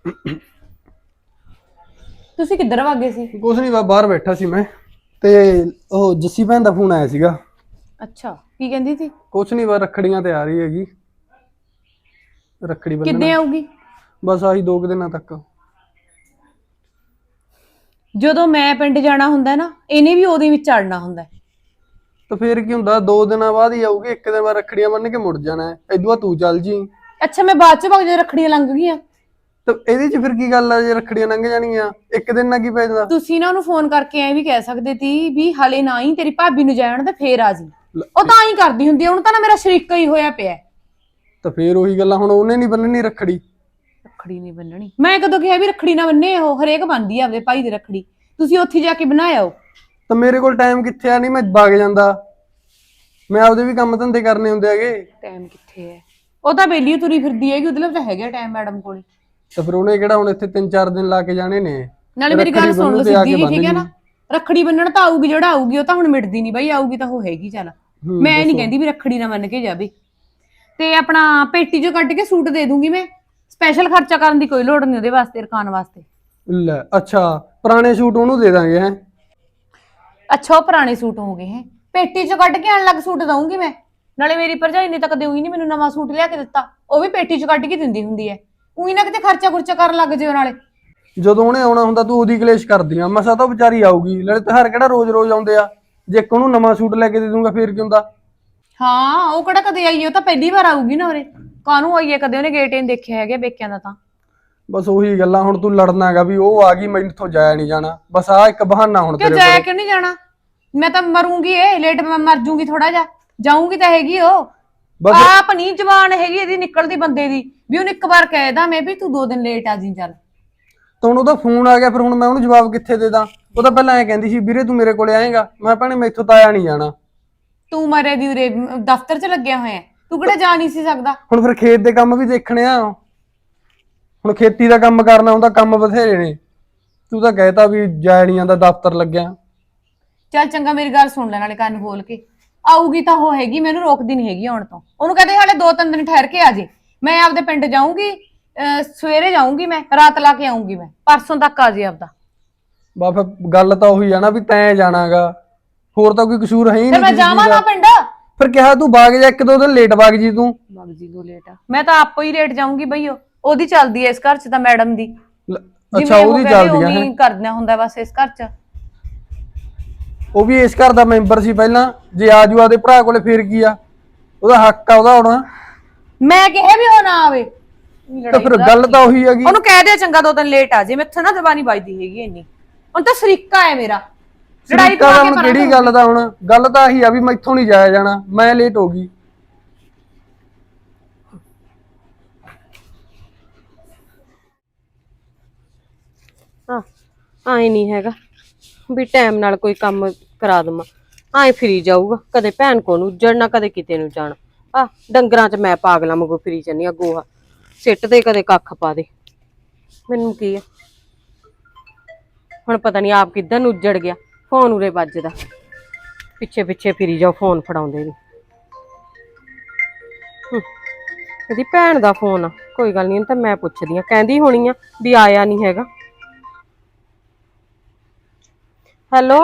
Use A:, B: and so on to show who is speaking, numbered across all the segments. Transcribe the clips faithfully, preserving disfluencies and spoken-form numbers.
A: ਤੁਸੀਂ ਕਿੱਧਰ ਵਾਗੇ ਸੀ?
B: ਕੁਛ ਨਹੀਂ, ਬਾਹਰ ਬੈਠਾ ਸੀ ਮੈਂ ਤੇ ਉਹ ਜੱਸੀ ਭੈਣ ਦਾ ਫੋਨ ਆਇਆ ਸੀਗਾ।
A: ਅੱਛਾ, ਕੀ ਕਹਿੰਦੀ ਸੀ?
B: ਕੁਛ ਨਹੀਂ, ਬਸ ਰੱਖੜੀਆਂ ਤੇ ਆ ਰਹੀ ਹੈਗੀ। ਰੱਖੜੀ ਬੰਨਣਾ
A: ਕਿੱਦੇ ਆਊਗੀ?
B: ਬਸ ਆਹੀ ਦੋ ਕੁ ਦਿਨਾਂ ਤੱਕ।
A: ਜਦੋਂ ਮੈਂ ਪਿੰਡ ਜਾਣਾ ਹੁੰਦਾ ਨਾ, ਇਹਨੇ ਵੀ ਉਹਦੇ ਵਿੱਚ ਚੜਨਾ ਹੁੰਦਾ।
B: ਤਾਂ ਫੇਰ ਕੀ ਹੁੰਦਾ, ਦੋ ਦਿਨਾਂ ਬਾਅਦ ਹੀ ਆਊਗੀ। ਇੱਕ ਦਿਨ ਬਾਅਦ ਰੱਖੜੀਆਂ ਬੰਨ ਕੇ ਮੁੜ ਜਾਣਾ ਹੈ। ਇਦੋਂ ਬਾਅਦ ਤੂੰ ਚੱਲ ਜੀ।
A: ਅੱਛਾ, ਮੈਂ ਬਾਅਦ ਚ ਵਗ ਜਾ ਰੱਖੜੀਆਂ ਲੰਘ ਗਈਆਂ
B: ਤਾਂ ਇਹਦੇ ਚ ਫਿਰ ਕੀ ਗੱਲ ਆ? ਜੇ ਰੱਖੜੀਆਂ ਲੰਘ ਜਾਣਗੀਆਂ ਇੱਕ ਦਿਨ ਨਾਲ ਕੀ ਪੈ ਜਾਂਦਾ?
A: ਤੁਸੀਂ ਨਾ ਉਹਨੂੰ ਫੋਨ ਕਰਕੇ ਐ ਵੀ ਕਹਿ ਸਕਦੇ ਸੀ ਵੀ ਹਲੇ ਨਾ ਹੀ ਤੇਰੀ ਭਾਬੀ ਨੂੰ ਜਾਣ ਤੇ ਫੇਰ ਆ ਜੀ। ਉਹ ਤਾਂ ਹੀ ਕਰਦੀ ਹੁੰਦੀ ਆ, ਹੁਣ ਤਾਂ ਨਾ ਮੇਰਾ ਸ਼ਰੀਕਾ ਹੀ ਹੋਇਆ ਪਿਆ।
B: ਤਾਂ ਫੇਰ ਉਹੀ ਗੱਲਾਂ, ਹੁਣ ਉਹਨੇ ਨਹੀਂ ਬੰਨਣੀ ਰੱਖੜੀ।
A: ਰੱਖੜੀ ਨਹੀਂ ਬੰਨਣੀ? ਮੈਂ ਕਦੋਂ ਕਿਹਾ ਵੀ ਰੱਖੜੀ ਨਾ ਬੰਨੇ? ਉਹ ਹਰੇਕ ਬੰਨਦੀ ਆ ਆਪਦੇ ਭਾਈ ਦੀ ਰੱਖੜੀ। ਤੁਸੀਂ ਉੱਥੇ ਜਾ ਕੇ ਬਣਾਇਆ ਹੋ।
B: ਤਾਂ ਮੇਰੇ ਕੋਲ ਟਾਈਮ ਕਿੱਥੇ ਆ? ਨਹੀਂ ਮੈਂ ਵਗ ਜਾਂਦਾ, ਮੈਂ ਆਪਦੇ ਵੀ ਕੰਮ ਧੰਦੇ ਕਰਨੇ ਹੁੰਦੇ ਹੈਗੇ।
A: ਟਾਈਮ ਕਿੱਥੇ ਹੈ? ਉਹ ਤਾਂ ਬੇਲੀ ਤੁਰੀ ਫਿਰਦੀ ਹੈਗੀ, ਉਹਦੇ ਲਈ ਤਾਂ ਹੈਗਾ ਟਾਈਮ ਮੈਡਮ ਕੋਲ।
B: ਤਾਂ ਫਿਰ ਉਹਨੇ ਕਿਹੜਾ ਹੁਣ ਇੱਥੇ ਤਿੰਨ ਚਾਰ ਦਿਨ ਲਾ ਕੇ ਜਾਣੇ ਨੇ?
A: ਨਾਲੇ ਮੇਰੀ ਗੱਲ ਸੁਣ ਲਓ ਸਿੱਧੀ ਜੀ, ਠੀਕ ਹੈ ਨਾ? ਰੱਖੜੀ ਬੰਨਣ ਤਾਂ ਆਊਗੀ, ਜਿਹੜਾ ਆਊਗੀ ਉਹ ਤਾਂ ਹੁਣ ਮਿਟਦੀ ਨਹੀਂ ਬਈ। ਆਊਗੀ ਤਾਂ ਉਹ ਹੈਗੀ। ਚੱਲ ਮੈਂ ਨਹੀਂ ਕਹਿੰਦੀ ਵੀ ਰੱਖੜੀ ਨਾ ਬੰਨ ਕੇ ਜਾਵੇ। ਤੇ ਆਪਣਾ ਪੇਟੀ ਚੋਂ ਕੱਢ ਕੇ ਸੂਟ ਦੇ ਦੂੰਗੀ ਮੈਂ। ਸਪੈਸ਼ਲ ਖਰਚਾ ਕਰਨ ਦੀ ਕੋਈ ਲੋੜ ਨਹੀਂ ਉਹਦੇ ਵਾਸਤੇ, ਰਕਾਨ ਵਾਸਤੇ।
B: ਲੈ ਅੱਛਾ, ਪੁਰਾਣੇ ਸੂਟ ਉਹਨੂੰ ਦੇ ਦਾਂਗੇ ਹੈ?
A: ਅੱਛਾ, ਉਹ ਪੁਰਾਣੇ ਸੂਟ ਹੋ ਗਏ ਹੈ? ਪੇਟੀ ਚੋਂ ਕੱਢ ਕੇ ਆਣ ਲੱਗ ਸੂਟ ਦਊਂਗੀ ਮੈਂ। ਨਾਲੇ ਮੇਰੀ ਭਰਜਾਈ ਨੇ ਤਾਂ ਕਦੇ ਉਹੀ ਨਹੀਂ ਮੈਨੂੰ ਨਵਾਂ ਸੂਟ ਲਿਆ ਕੇ ਦਿੱਤਾ। ਉਹ ਵੀ ਪੇਟੀ ਚੋਂ ਕੱਢ ਕੇ ਦਿੰਦੀ ਹੁੰਦੀ ਹੈ। ਉਹੀ ਨਾ ਕਿਤੇ ਖਰਚਾ ਖੁਰਚਾ ਕਰਨ ਲੱਗ ਜਿਓ ਨਾਲੇ।
B: ਜਦੋਂ ਉਹਨੇ ਆਉਣਾ ਹੁੰਦਾ ਤੂੰ ਉਹਦੀ ਕਲੇਸ਼ ਕਰਦੀਆਂ। ਮਸਾ ਤਾਂ ਵਿਚਾਰੀ ਆਊਗੀ, ਨਾਲੇ ਤਿਉਹਾਰ ਕਿਹੜਾ ਰੋਜ਼ ਰੋਜ਼ ਆਉਂਦੇ ਆ। ਜੇ ਇੱਕ ਉਹਨੂੰ ਨਵਾਂ ਸੂਟ ਲੈ ਕੇ ਦੇ ਦੂੰਗਾ ਫੇਰ ਕੀ ਹੁੰਦਾ?
A: ਹਾਂ, ਉਹ ਕਿਹੜਾ ਕਦੇ ਆਈ? ਉਹ ਤਾਂ ਪਹਿਲੀ ਵਾਰ ਆਊਗੀ ਨਾ ਉਰੇ। ਕਾਹਨੂੰ ਆਈ ਹੈ? ਕਦੇ ਉਹਨੇ ਗੇਟ ਹੀ ਨਹੀਂ ਦੇਖਿਆ ਹੈਗਾ ਬੇਕਿਆਂ ਦਾ। ਤਾਂ
B: ਬਸ ਉਹੀ ਗੱਲਾਂ, ਹੁਣ ਤੂੰ ਲੜਨਾ ਹੈਗਾ ਵੀ ਉਹ ਆ ਗਈ ਮੈਥੋਂ ਜਾਇਆ ਨਹੀਂ ਜਾਣਾ। ਬਸ ਆਹ ਇੱਕ ਬਹਾਨਾ ਹੁਣ
A: ਕਿਉਂ
B: ਤੇਰੇ
A: ਜਾਇਆ
B: ਕੋਲ।
A: ਕਿਉਂ ਨਹੀਂ ਜਾਣਾ? ਮੈਂ ਤਾਂ ਮਰੂੰਗੀ, ਇਹ ਲੇਟ ਮੈਂ ਮਰ ਜੂੰਗੀ ਥੋੜਾ ਜਿਹਾ। ਜਾਊਂਗੀ ਤਾਂ ਹੈਗੀ ਉਹ।
B: ਬਸ
A: ਆਪ ਨਹੀਂ ਜਵਾਨ ਹੈਗੀ ਇਹਦੀ ਨਿਕਲਦੀ ਬੰਦੇ ਦੀ ਵੀ ਉਹਨੂੰ ਇੱਕ ਵਾਰ ਕਹਿਦਾ ਮੈਂ ਵੀ ਤੂੰ ਦੋ ਦਿਨ ਲੇਟ ਆ ਜੀ। ਚੱਲ
B: ਤਾਂ ਹੁਣ ਉਹਦਾ ਫੋਨ ਆ ਗਿਆ, ਫਿਰ ਹੁਣ ਮੈਂ ਉਹਨੂੰ ਜਵਾਬ ਕਿੱਥੇ ਦੇ ਦਾਂ? ਉਹ ਤਾਂ ਪਹਿਲਾਂ ਐਂ ਕਹਿੰਦੀ ਸੀ ਵੀਰੇ ਤੂੰ ਮੇਰੇ ਕੋਲੇ ਆਏਗਾ। ਮੈਂ ਭੈਣੇ ਮੈਥੋਂ ਤਾਂ ਆਇਆ ਨਹੀਂ ਜਾਣਾ।
A: ਤੂੰ ਮਰੇ ਦੀ ਉਰੇ ਦਫ਼ਤਰ 'ਚ ਲੱਗਿਆ ਹੋਇਆ, ਤੂੰ ਕਿਹੜਾ ਜਾ ਨਹੀਂ ਸੀ ਸਕਦਾ?
B: ਹੁਣ ਫਿਰ ਖੇਤ ਦੇ ਕੰਮ ਵੀ ਦੇਖਣੇ ਆ। ਹੁਣ ਖੇਤੀ ਦਾ ਕੰਮ ਕਰਨਾ ਹੁੰਦਾ, ਕੰਮ ਬਥੇਰੇ ਨੇ। ਤੂੰ ਤਾਂ ਕਹਿਤਾ ਵੀ ਜਾਇਆ ਨਹੀਂ ਜਾਂਦਾ, ਦਫ਼ਤਰ ਲੱਗਿਆ।
A: ਚੱਲ ਚੰਗਾ, ਮੇਰੀ ਗੱਲ ਸੁਣ ਲੈ ਨਾਲੇ ਕੰਨ ਖੋਲ ਕੇ। ਆਊਗੀ ਤਾਂ ਉਹ ਹੈਗੀ, ਮੈਨੂੰ ਰੋਕਦੀ ਨਹੀਂ ਹੈਗੀ ਆਉਣ ਤੋਂ। ਉਹਨੂੰ ਕਹਿੰਦੇ ਹਾਲੇ ਦੋ ਤਿੰਨ ਦਿਨ ਠਹਿਰ ਕੇ ਆ ਜੇ। ਮੈਂ ਆਪਦੇ ਪਿੰਡ ਜਾਊਂਗੀ, ਸਵੇਰੇ ਜਾਊਂਗੀ, ਮੈਂ ਰਾਤ ਲਾ ਕੇ ਆਊਂਗੀ। ਮੈਂ ਪਰਸੋਂ ਤੱਕ ਆ ਜੇ ਆਪਦਾ।
B: ਬਾ ਫਿਰ ਗੱਲ ਤਾਂ ਉਹੀ ਆ ਨਾ ਵੀ ਤੈਂ ਜਾਣਾਗਾ, ਹੋਰ ਤਾਂ ਕੋਈ ਕਸੂਰ ਹੈ ਹੀ
A: ਫਿਰ
B: ਨਹੀਂ
A: ਮੈਂ
B: ਕਿਸੇ
A: ਜਾਵਾਂ
B: ਚੀਜ਼
A: ਨਾ
B: ਦਾ।
A: ਪਿੰਡ।
B: ਫਿਰ ਕਿਹਾ ਤੂੰ ਬਾਗ ਜਾ, ਇੱਕ ਦੋ ਦਿਨ ਲੇਟ ਬਾਗ ਜੀ ਤੂੰ।
A: ਬਾਗ ਜੀ ਦੋ ਲੇਟ ਆ? ਮੈਂ ਤਾਂ ਆਪੋ ਹੀ ਲੇਟ ਜਾਊਂਗੀ ਬਈ। ਉਹ ਉਹਦੀ ਚੱਲਦੀ ਐ ਇਸ ਘਰ 'ਚ ਤਾਂ, ਮੈਡਮ ਦੀ।
B: ਅੱਛਾ, ਉਹਦੀ ਚੱਲਦੀ ਆ ਹੈ?
A: ਕਰਨਾ ਹੁੰਦਾ ਬਸ ਇਸ ਘਰ 'ਚ।
B: ਉਹ ਵੀ ਇਸ ਘਰ ਦਾ ਮੈਂਬਰ ਸੀ ਪਹਿਲਾਂ। ਜੇ ਆਜੂ ਆਦੇ ਭਰਾ ਕੋਲੇ ਫੇਰ ਕੀ ਆ? ਉਹਦਾ ਹੱਕ ਆ ਉਹਦਾ ਆਉਣਾ।
A: ਮੈਂ ਕਿਹਾ ਵੀ ਉਹ ਨਾ ਆਵੇ।
B: ਤਾਂ ਫਿਰ ਗੱਲ ਤਾਂ ਉਹੀ ਹੈਗੀ।
A: ਉਹਨੂੰ ਕਹਿ ਦੇ ਚੰਗਾ ਦੋ ਦਿਨ ਲੇਟ ਆ ਜੇ। ਮੈਥੋਂ ਨਾ ਜ਼ਬਾਨੀ ਵੱਜਦੀ ਹੈਗੀ ਇੰਨੀ। ਹੁਣ ਤਾਂ ਸਰੀਕਾ ਹੈ ਮੇਰਾ। ਲੜਾਈ
B: ਤਾਂ ਹੁਣ ਕਿਹੜੀ ਗੱਲ ਦਾ? ਹੁਣ ਗੱਲ ਤਾਂ ਆਹੀ ਆ ਵੀ ਮੈਥੋਂ ਨਹੀਂ ਜਾਇਆ ਜਾਣਾ, ਮੈਂ ਲੇਟ ਹੋ ਗਈ।
C: ਹਾਂ, ਆਏ ਨਹੀਂ ਹੈਗਾ ਵੀ ਟਾਈਮ ਨਾਲ ਕੋਈ ਕੰਮ ਕਰਾ ਦਵਾਂ। ਆਏ ਫਿਰੀ ਜਾਊਗਾ, ਕਦੇ ਭੈਣ ਕੋਲ ਨੂੰ ਉੱਜੜਨਾ, ਕਦੇ ਕਿਤੇ ਨੂੰ ਜਾਣਾ। ਆ ਡੰਗਰਾਂ 'ਚ ਮੈਂ ਪਾਗਲਾਂ ਵਾਂਗੂ ਫਿਰੀ ਜਾਂਦੀ ਆ। ਗੋਹਾ ਸਿੱਟ ਦੇ, ਕਦੇ ਕੱਖ ਪਾ ਦੇ। ਮੈਨੂੰ ਕੀ ਆ ਹੁਣ? ਪਤਾ ਨਹੀਂ ਆਪ ਕਿੱਧਰ ਨੂੰ ਉੱਜੜ ਗਿਆ। ਫੋਨ ਉਰੇ ਵੱਜਦਾ, ਪਿੱਛੇ ਪਿੱਛੇ ਫਿਰੀ ਜਾਓ, ਫੋਨ ਫੜਾਉਂਦੇ ਨੀ। ਇਹਦੀ ਭੈਣ ਦਾ ਫੋਨ ਆ। ਕੋਈ ਗੱਲ ਨੀ, ਤਾਂ ਮੈਂ ਪੁੱਛਦੀ ਆ। ਕਹਿੰਦੀ ਹੋਣੀ ਆ ਵੀ ਆਇਆ ਨਹੀਂ ਹੈਗਾ। Hello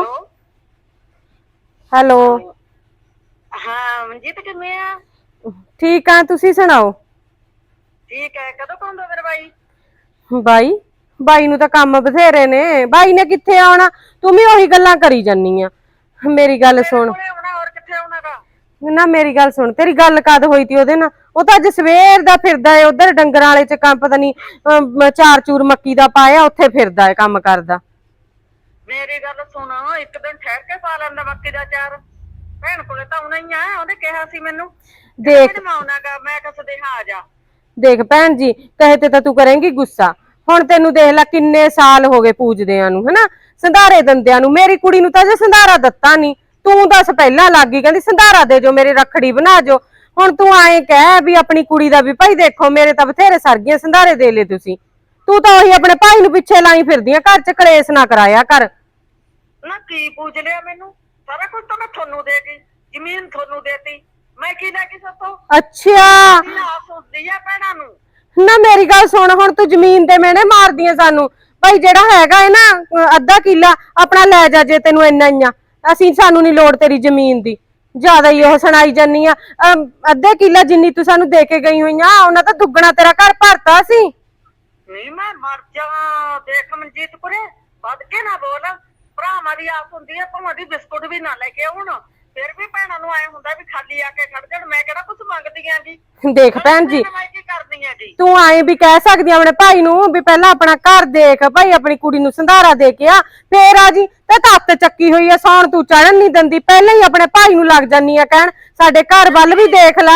C: hello.
D: ਹਾਂ ਮਨਜੀਤ, ਕਿਵੇਂ ਆ?
C: ਠੀਕ ਆ, ਤੁਸੀਂ ਸੁਣਾਓ?
D: ਠੀਕ ਹੈ। ਕਦੋਂ ਪਾਉਂਦਾ ਫਿਰ ਬਾਈ?
C: ਬਾਈ ਬਾਈ ਨੂੰ ਤਾਂ ਕੰਮ ਬਥੇਰੇ ਨੇ। ਬਾਈ ਨੇ ਕਿੱਥੇ ਆਉਣਾ? ਤੂੰ ਵੀ ਉਹੀ ਗੱਲਾਂ ਕਰੀ ਜਾਨੀ ਆ। ਮੇਰੀ ਗੱਲ ਸੁਣ
D: ਹੋਰ ਕਿੱਥੇ ਆਉਣਾਗਾ?
C: ਨਾ ਮੇਰੀ ਗੱਲ ਸੁਣ, ਤੇਰੀ ਗੱਲ ਕਦ ਹੋਈ ਤੀ ਉਹਦੇ ਨਾਲ? ਉਹ ਤਾਂ ਅੱਜ ਸਵੇਰ ਦਾ ਫਿਰਦਾ ਏ ਉਧਰ ਡੰਗਰਾਂ ਵਾਲੇ ਚ। ਕੰਮ ਪਤਾ ਨੀ ਚਾਰ ਚੂਰ ਮੱਕੀ ਦਾ ਪਾਇਆ, ਉੱਥੇ ਫਿਰਦਾ ਏ ਕੰਮ ਕਰਦਾ।
D: ਮੇਰੀ ਗੱਲ ਸੁਣ, ਇੱਕ ਦਿਨ ਠਹਿਰ ਕੇ ਪਾ ਲੈਂਦਾ ਮੱਕੀ ਦਾ ਚਾਰ। ਭੈਣ ਕੋਲੇ ਤਾਂ ਆਉਣਾ ਹੀ ਆ। ਉਹਨੇ ਕਿਹਾ ਸੀ ਮੈਨੂੰ
C: ਦੇਖ
D: ਆਉਣਾਗਾ। ਮੈਂ ਕਿਹਾ ਸਦੇਹਾ ਆ ਜਾ।
C: ਦੇਖ ਭੈਣ ਜੀ, ਕਹੇ ਤੇ ਤਾਂ ਤੂੰ ਕਰੇਂਗੀ ਗੁੱਸਾ। ਹੁਣ ਤੈਨੂੰ ਦੇਖ ਲੈ ਕਿੰਨੇ ਸਾਲ ਹੋ ਗਏ ਪੂਜਦਿਆਂ ਨੂੰ, ਹਨਾ, ਸੰਧਾਰੇ ਦੰਦਿਆਂ ਨੂੰ। ਮੇਰੀ ਕੁੜੀ ਨੂੰ ਤਾਂ ਜੇ ਸੰਧਾਰਾ ਦਿੱਤਾ ਨੀ। ਤੂੰ ਦੱਸ ਪਹਿਲਾਂ ਲੱਗ ਗਈ ਕਹਿੰਦੀ ਸੰਧਾਰਾ ਦੇ ਜੋ, ਮੇਰੀ ਰੱਖੜੀ ਬਣਾ ਜੋ। ਹੁਣ ਤੂੰ ਆਏ ਕਹਿ ਵੀ ਆਪਣੀ ਕੁੜੀ ਦਾ ਵੀ ਭਾਈ ਦੇਖੋ, ਮੇਰੇ ਤਾਂ ਬਥੇਰੇ ਸਰਗੀਆਂ, ਸੰਧਾਰੇ ਦੇ ਲਏ ਤੁਸੀਂ। ਤੂੰ ਤਾਂ ਉਹੀ ਆਪਣੇ ਭਾਈ ਨੂੰ ਪਿੱਛੇ ਲਾਈ ਫਿਰਦੀ ਆ। ਘਰ ਚ ਕਲੇਸ਼ ਨਾ ਕਰਾਇਆ ਕਰ।
D: ਨਾ ਕੀ ਪੂਜ ਲਿਆ ਮੈਨੂੰ? ਸਾਰਾ ਕੁਝ ਤਾਂ ਮੈਂ ਤੁਹਾਨੂੰ ਦੇ ਗਈ, ਜ਼ਮੀਨ ਤੁਹਾਨੂੰ ਦੇਤੀ। ਮੈਂ ਕੀ ਲੈ ਗਈ ਸਤੋਂ?
C: ਅੱਛਾ,
D: ਆਸ ਹੁੰਦੀ ਆ ਭੈਣਾਂ ਨੂੰ।
C: ਨਾ ਮੇਰੀ ਗੱਲ ਸੁਣ, ਹੁਣ ਤੂੰ ਜ਼ਮੀਨ ਦੇ ਮੈਨੇ ਮਾਰਦੀਆਂ ਸਾਨੂੰ। ਭਾਈ ਜਿਹੜਾ ਹੈਗਾ ਹੈ ਨਾ ਅਹ ਅੱਧਾ ਕਿੱਲਾ ਆਪਣਾ ਲੈ ਜਾ ਜੇ ਤੈਨੂੰ ਇੰਨਾ ਹੀ ਆ। ਅਸੀਂ ਸਾਨੂੰ ਨਹੀਂ ਲੋੜ ਤੇਰੀ ਜ਼ਮੀਨ ਦੀ, ਜ਼ਿਆਦਾ ਹੀ ਉਹ ਸੁਣਾਈ ਜੰਨੀ ਆ। ਅਮ, ਅੱਧੇ ਕਿੱਲਾ ਜਿੰਨੀ ਤੂੰ ਸਾਨੂੰ ਦੇ ਕੇ ਗਈ ਹੋਈ ਆ ਉਹਨਾਂ ਤਾਂ ਦੁੱਗਣਾ ਤੇਰਾ ਘਰ ਭਰਤਾ ਸੀ।
D: ਨਹੀਂ ਮੈਂ ਮਰ ਜਾ। ਦੇਖ ਮਨਜੀਤ ਕੁਰੇ ਵੱਧ ਕੇ ਨਾ ਬੋਲ। ਭਰਾਵਾਂ ਦੀ ਆਸ ਹੁੰਦੀ ਹੈ, ਭਾਵਾਂ ਦੀ ਬਿਸਕੁਟ ਵੀ ਨਾ ਲੈ ਕੇ ਆਉਣ। ਫਿਰ ਵੀ ਭੈਣਾਂ ਨੂੰ ਆਏ ਹੁੰਦਾ ਵੀ ਖਾਲੀ ਆ ਕੇ ਖੜ ਜਾਣ। ਮੈਂ ਕਿਹੜਾ ਕੁਝ ਮੰਗਦੀ ਆਂ ਜੀ।
C: ਦੇਖ ਭੈਣ ਜੀ,
D: ਮੈਂ ਕੀ ਕਰਦੀ ਆਂ ਜੀ।
C: ਤੂੰ ਆਏ ਵੀ ਕਹਿ ਸਕਦੀ ਆ ਆਪਣੇ ਭਾਈ ਨੂੰ ਵੀ ਪਹਿਲਾਂ ਆਪਣਾ ਘਰ ਦੇਖ ਭਾਈ, ਆਪਣੀ ਕੁੜੀ ਨੂੰ ਸੰਧਾਰਾ ਦੇ ਕੇ ਆ ਫੇਰ ਆ ਜੀ। ਤੇ ਤੱਤ ਚੱਕੀ ਹੋਈ ਆ, ਸੌਣ ਤੂੰ ਚੜਨ ਨਹੀਂ ਦਿੰਦੀ, ਪਹਿਲਾਂ ਹੀ ਆਪਣੇ ਭਾਈ ਨੂੰ ਲੱਗ ਜਾਨੀ ਆ ਕਹਿਣ ਸਾਡੇ ਘਰ ਵੱਲ ਵੀ ਦੇਖ ਲਾ।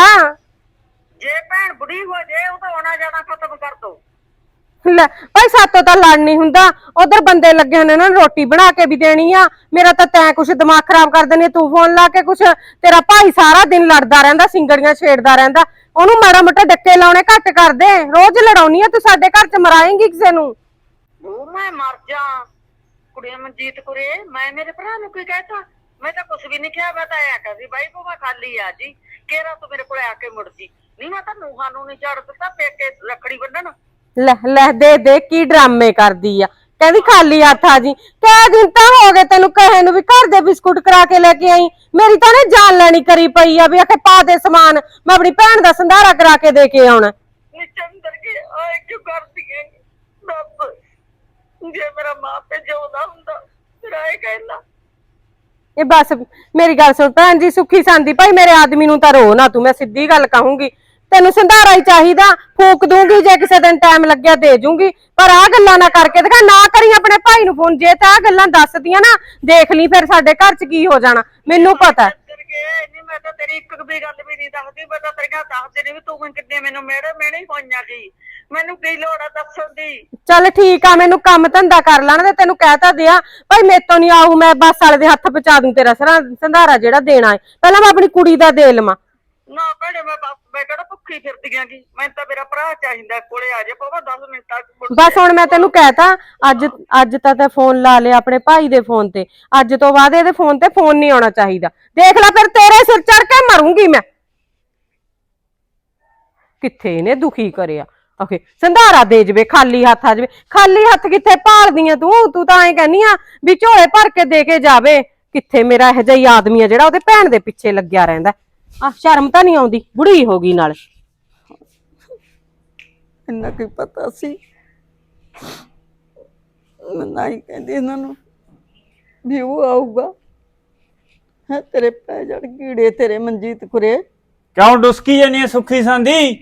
D: ਜੇ ਭੈਣ ਬੁੜੀ ਹੋ ਜੇ ਉਹ ਤਾਂ ਆਉਣਾ ਜਾਣਾ ਖਤਮ ਕਰ ਦੋ।
C: ਲੈ ਭਾਈ ਸਾਤੋਂ ਤਾਂ ਲੜ ਨਹੀਂ ਹੁੰਦਾ, ਉਧਰ ਬੰਦੇ ਲੱਗੇ ਹੋਣੇ ਉਹਨਾਂ ਨੂੰ ਰੋਟੀ ਬਣਾ ਕੇ ਵੀ ਦੇਣੀ ਆ। ਮੇਰਾ ਤਾਂ ਤੈਂ ਕੁਛ ਦਿਮਾਗ ਖਰਾਬ ਕਰ ਦਿੰਦੀ, ਤੂੰ ਫੋਨ ਲਾ ਕੇ ਕੁਛ। ਤੇਰਾ ਭਾਈ ਸਾਰਾ ਦਿਨ ਲੜਦਾ ਰਹਿੰਦਾ, ਸਿੰਗੜੀਆਂ ਛੇੜਦਾ ਰਹਿੰਦਾ। ਉਹਨੂੰ ਮਾੜਾ ਮੋਟਾ ਡੱਕੇ ਲਾਉਣੇ ਘੱਟ ਕਰ ਦੇ। ਰੋਜ਼ ਲੜਾਉਣੀ ਆ ਤੂੰ, ਸਾਡੇ ਘਰ ਚ ਮਰਾਏਂਗੀ ਕਿਸੇ ਨੂੰ।
D: ਉਹ ਮੈਂ ਮਰ ਜਾ। ਕੁੜੇ ਮਨਜੀਤ ਕੁਰੇ ਮੈਂ ਮੇਰੇ ਭਰਾ ਨੂੰ ਕੀ ਕਹਿਤਾ? ਮੈਂ ਤਾਂ ਕੁਛ ਵੀ ਨਹੀਂ ਕਿਹਾ। ਮੈਂ ਤਾਂ ਆਇਆ ਕਰਦੀ ਬਾਈ ਕੋ ਮੈਂ ਖਾਲੀ ਆ ਜੀ, ਕਿਹੜਾ ਤੂੰ ਮੇਰੇ ਕੋਲ ਆ ਕੇ ਮੁੜ ਜੀ। ਨਹੀਂ ਮੈਂ ਤਾਂ ਨੂਹਾਂ ਨੂੰ ਨਹੀਂ ਛੱਡ ਦਿੱਤਾ ਪੇਕੇ ਰੱਖੜੀ ਬੰਨਣ।
C: ਲੈ ਲੈ ਦੇ ਦੇ ਕੀ ਡਰਾਮੇ ਕਰਦੀ ਆ, ਕਹਿੰਦੀ ਖਾਲੀ ਹੱਥ ਆ ਜੀ। ਕਿਹ ਦਿਨ ਤਾਂ ਹੋ ਗਏ ਤੈਨੂੰ ਕਹੇ ਨੂੰ ਵੀ ਘਰ ਦੇ ਬਿਸਕੁਟ ਕਰਾ ਕੇ ਲੈ ਕੇ ਆਈ। ਮੇਰੀ ਤਾਂ ਨੇ ਜਾਨ ਲੈਣੀ ਕਰੀ ਪਈ ਆ ਵੀ ਆਖੇ ਪਾ ਦੇ ਸਮਾਨ, ਮੈਂ ਆਪਣੀ ਭੈਣ ਦਾ ਸੰਧਾਰਾ ਕਰਾ ਕੇ ਦੇ ਕੇ ਆਉਣਾ।
D: ਚੰਦਰ ਕੇ ਆਏ ਕਿਉਂ ਕਰਦੀ ਹੈ? ਦੱਸ ਜੇ ਮੇਰਾ ਮਾਂ ਪਿਓ ਜਿਉਂਦਾ ਹੁੰਦਾ ਫਿਰ ਆਏ ਕਹਿੰਦਾ।
C: ਇਹ ਬਸ ਮੇਰੀ ਗੱਲ ਸੁਣ ਭੈਣ ਜੀ, ਸੁੱਖੀ ਸੰਦੀ ਭਾਈ ਮੇਰੇ ਆਦਮੀ ਨੂੰ ਤਾਂ ਰੋ ਨਾ ਤੂੰ, ਮੈਂ ਸਿੱਧੀ ਗੱਲ ਕਹੂੰਗੀ। ਤੈਨੂੰ ਸੰਧਾਰਾ ਹੀ ਚਾਹੀਦਾ, ਫੂਕ ਦੂੰਗੀ ਜੇ ਕਿਸੇ ਦਿਨ ਟਾਈਮ ਲੱਗਿਆ ਦੇ ਜੂੰਗੀ, ਪਰ ਆਹ ਗੱਲਾਂ ਨਾ ਕਰਕੇ ਦਿਖਾ। ਨਾ ਕਰੀ ਆਪਣੇ ਭਾਈ ਨੂੰ ਫੋਨ, ਜੇ ਤਾਂ ਆਹ ਗੱਲਾਂ ਦੱਸਦੀਆਂ ਨਾ ਦੇਖ ਲਈ ਫਿਰ ਸਾਡੇ ਘਰ ਚ ਕੀ ਹੋ ਜਾਣਾ, ਮੈਨੂੰ ਪਤਾ।
D: ਨਹੀਂ ਮੈਂ ਤਾਂ ਤੇਰੀ ਇੱਕ ਵੀ ਗੱਲ ਵੀ ਨਹੀਂ ਦੱਸਦੀ। ਮੈਂ ਤਾਂ ਤੇਰੀਆਂ ਦੱਸਦੇ ਨਹੀਂ ਵੀ ਤੂੰ ਕਿੰਨੇ ਮੈਨੂੰ ਮੇੜੇ ਮੇੜੇ ਹੋਈਆਂ ਜੀ। ਮੈਨੂੰ ਕੀ ਲੋੜ ਆ ਦੱਸਣ ਦੀ? ਚੱਲ
C: ਠੀਕ ਆ, ਮੈਨੂੰ ਕੰਮ ਧੰਦਾ ਕਰ ਲੈਣ ਦੇ, ਤੈਨੂੰ ਕਹਿ ਤਾਂ ਦਿਆਂ ਭਾਈ ਮੇਤੋਂ ਨਹੀਂ ਆਊ, ਮੈਂ ਬੱਸ ਵਾਲੇ ਦੇ ਹੱਥ ਪਹੁੰਚਾ ਦੂੰ ਤੇਰਾ ਸੰਧਾਰਾ ਜਿਹੜਾ ਦੇਣਾ ਹੈ। ਪਹਿਲਾਂ ਮੈਂ ਆਪਣੀ ਕੁੜੀ ਦਾ ਦੇ ਲਵਾਂ।
D: ਨਾ ਭੈਣੇ ਮੈਂ ਮੈਂ ਕਿਹੜਾ ਭੁੱਖੀ ਫਿਰਦੀ ਆਂਗੀ। ਮੈਨੂੰ ਤਾਂ ਮੇਰਾ ਭਰਾ ਚਾਹੀਦਾ, ਕੋਲੇ ਆ ਜਾ ਪਵਾ ਦਸ ਮਿੰਟਾਂ ਚ।
C: ਬਸ ਹੁਣ ਮੈਂ ਤੈਨੂੰ ਕਹਿਤਾ, ਅੱਜ ਅੱਜ ਤਾਂ ਤੇ ਫੋਨ ਲਾ ਲਿਆ ਆਪਣੇ ਭਾਈ ਦੇ ਫੋਨ ਤੇ, ਅੱਜ ਤੋਂ ਬਾਅਦ ਇਹਦੇ ਫੋਨ ਤੇ ਫੋਨ ਨਹੀਂ ਆਉਣਾ ਚਾਹੀਦਾ। ਦੇਖ ਲੈ ਫਿਰ ਤੇਰੇ ਸਿਰ ਚੜ ਕੇ ਮਰੂੰਗੀ ਮੈਂ। ਕਿੱਥੇ ਇਹਨੇ ਦੁਖੀ ਕਰਿਆ। ਓਕੇ ਸੰਧਾਰਾ ਦੇ ਜਵੇ, ਖਾਲੀ ਹੱਥ ਆ ਜਵੇ। ਖਾਲੀ ਹੱਥ ਕਿੱਥੇ ਭਾਲਦੀ ਆ ਤੂੰ? ਤੂੰ ਤਾਂ ਐਂ ਕਹਿੰਦੀ ਆ ਵੀ ਝੋਲੇ ਭਰ ਕੇ ਦੇ ਕੇ ਜਾਵੇ। ਕਿੱਥੇ ਮੇਰਾ ਇਹੋ ਜਿਹਾ ਹੀ ਆਦਮੀ ਆ ਜਿਹੜਾ ਉਹਦੇ ਭੈਣ ਦੇ ਪਿੱਛੇ ਲੱਗਿਆ ਰਹਿੰਦਾ। ਆ ਸ਼ਰਮ ਤਾਂ ਨਹੀਂ ਆਉਂਦੀ, ਬੁੜੀ ਹੋ ਗਈ ਨਾਲ।
E: ਇੰਨਾ ਕੀ ਪਤਾ ਸੀ, ਮੈਂ ਨਾ ਹੀ ਕਹਿੰਦੀ ਇਹਨਾਂ ਨੂੰ ਵੀ ਉਹ ਆਊਗਾ। ਹੈ ਤੇਰੇ ਪੈ ਜੜ ਕੀੜੇ ਤੇਰੇ ਮਨਜੀਤ ਕੁਰੇ।
F: ਕਿਉਂ ਡੁਸਕੀ ਜਾਨੀ ਹੈ ਸੁੱਖੀ ਸੰਦੀ?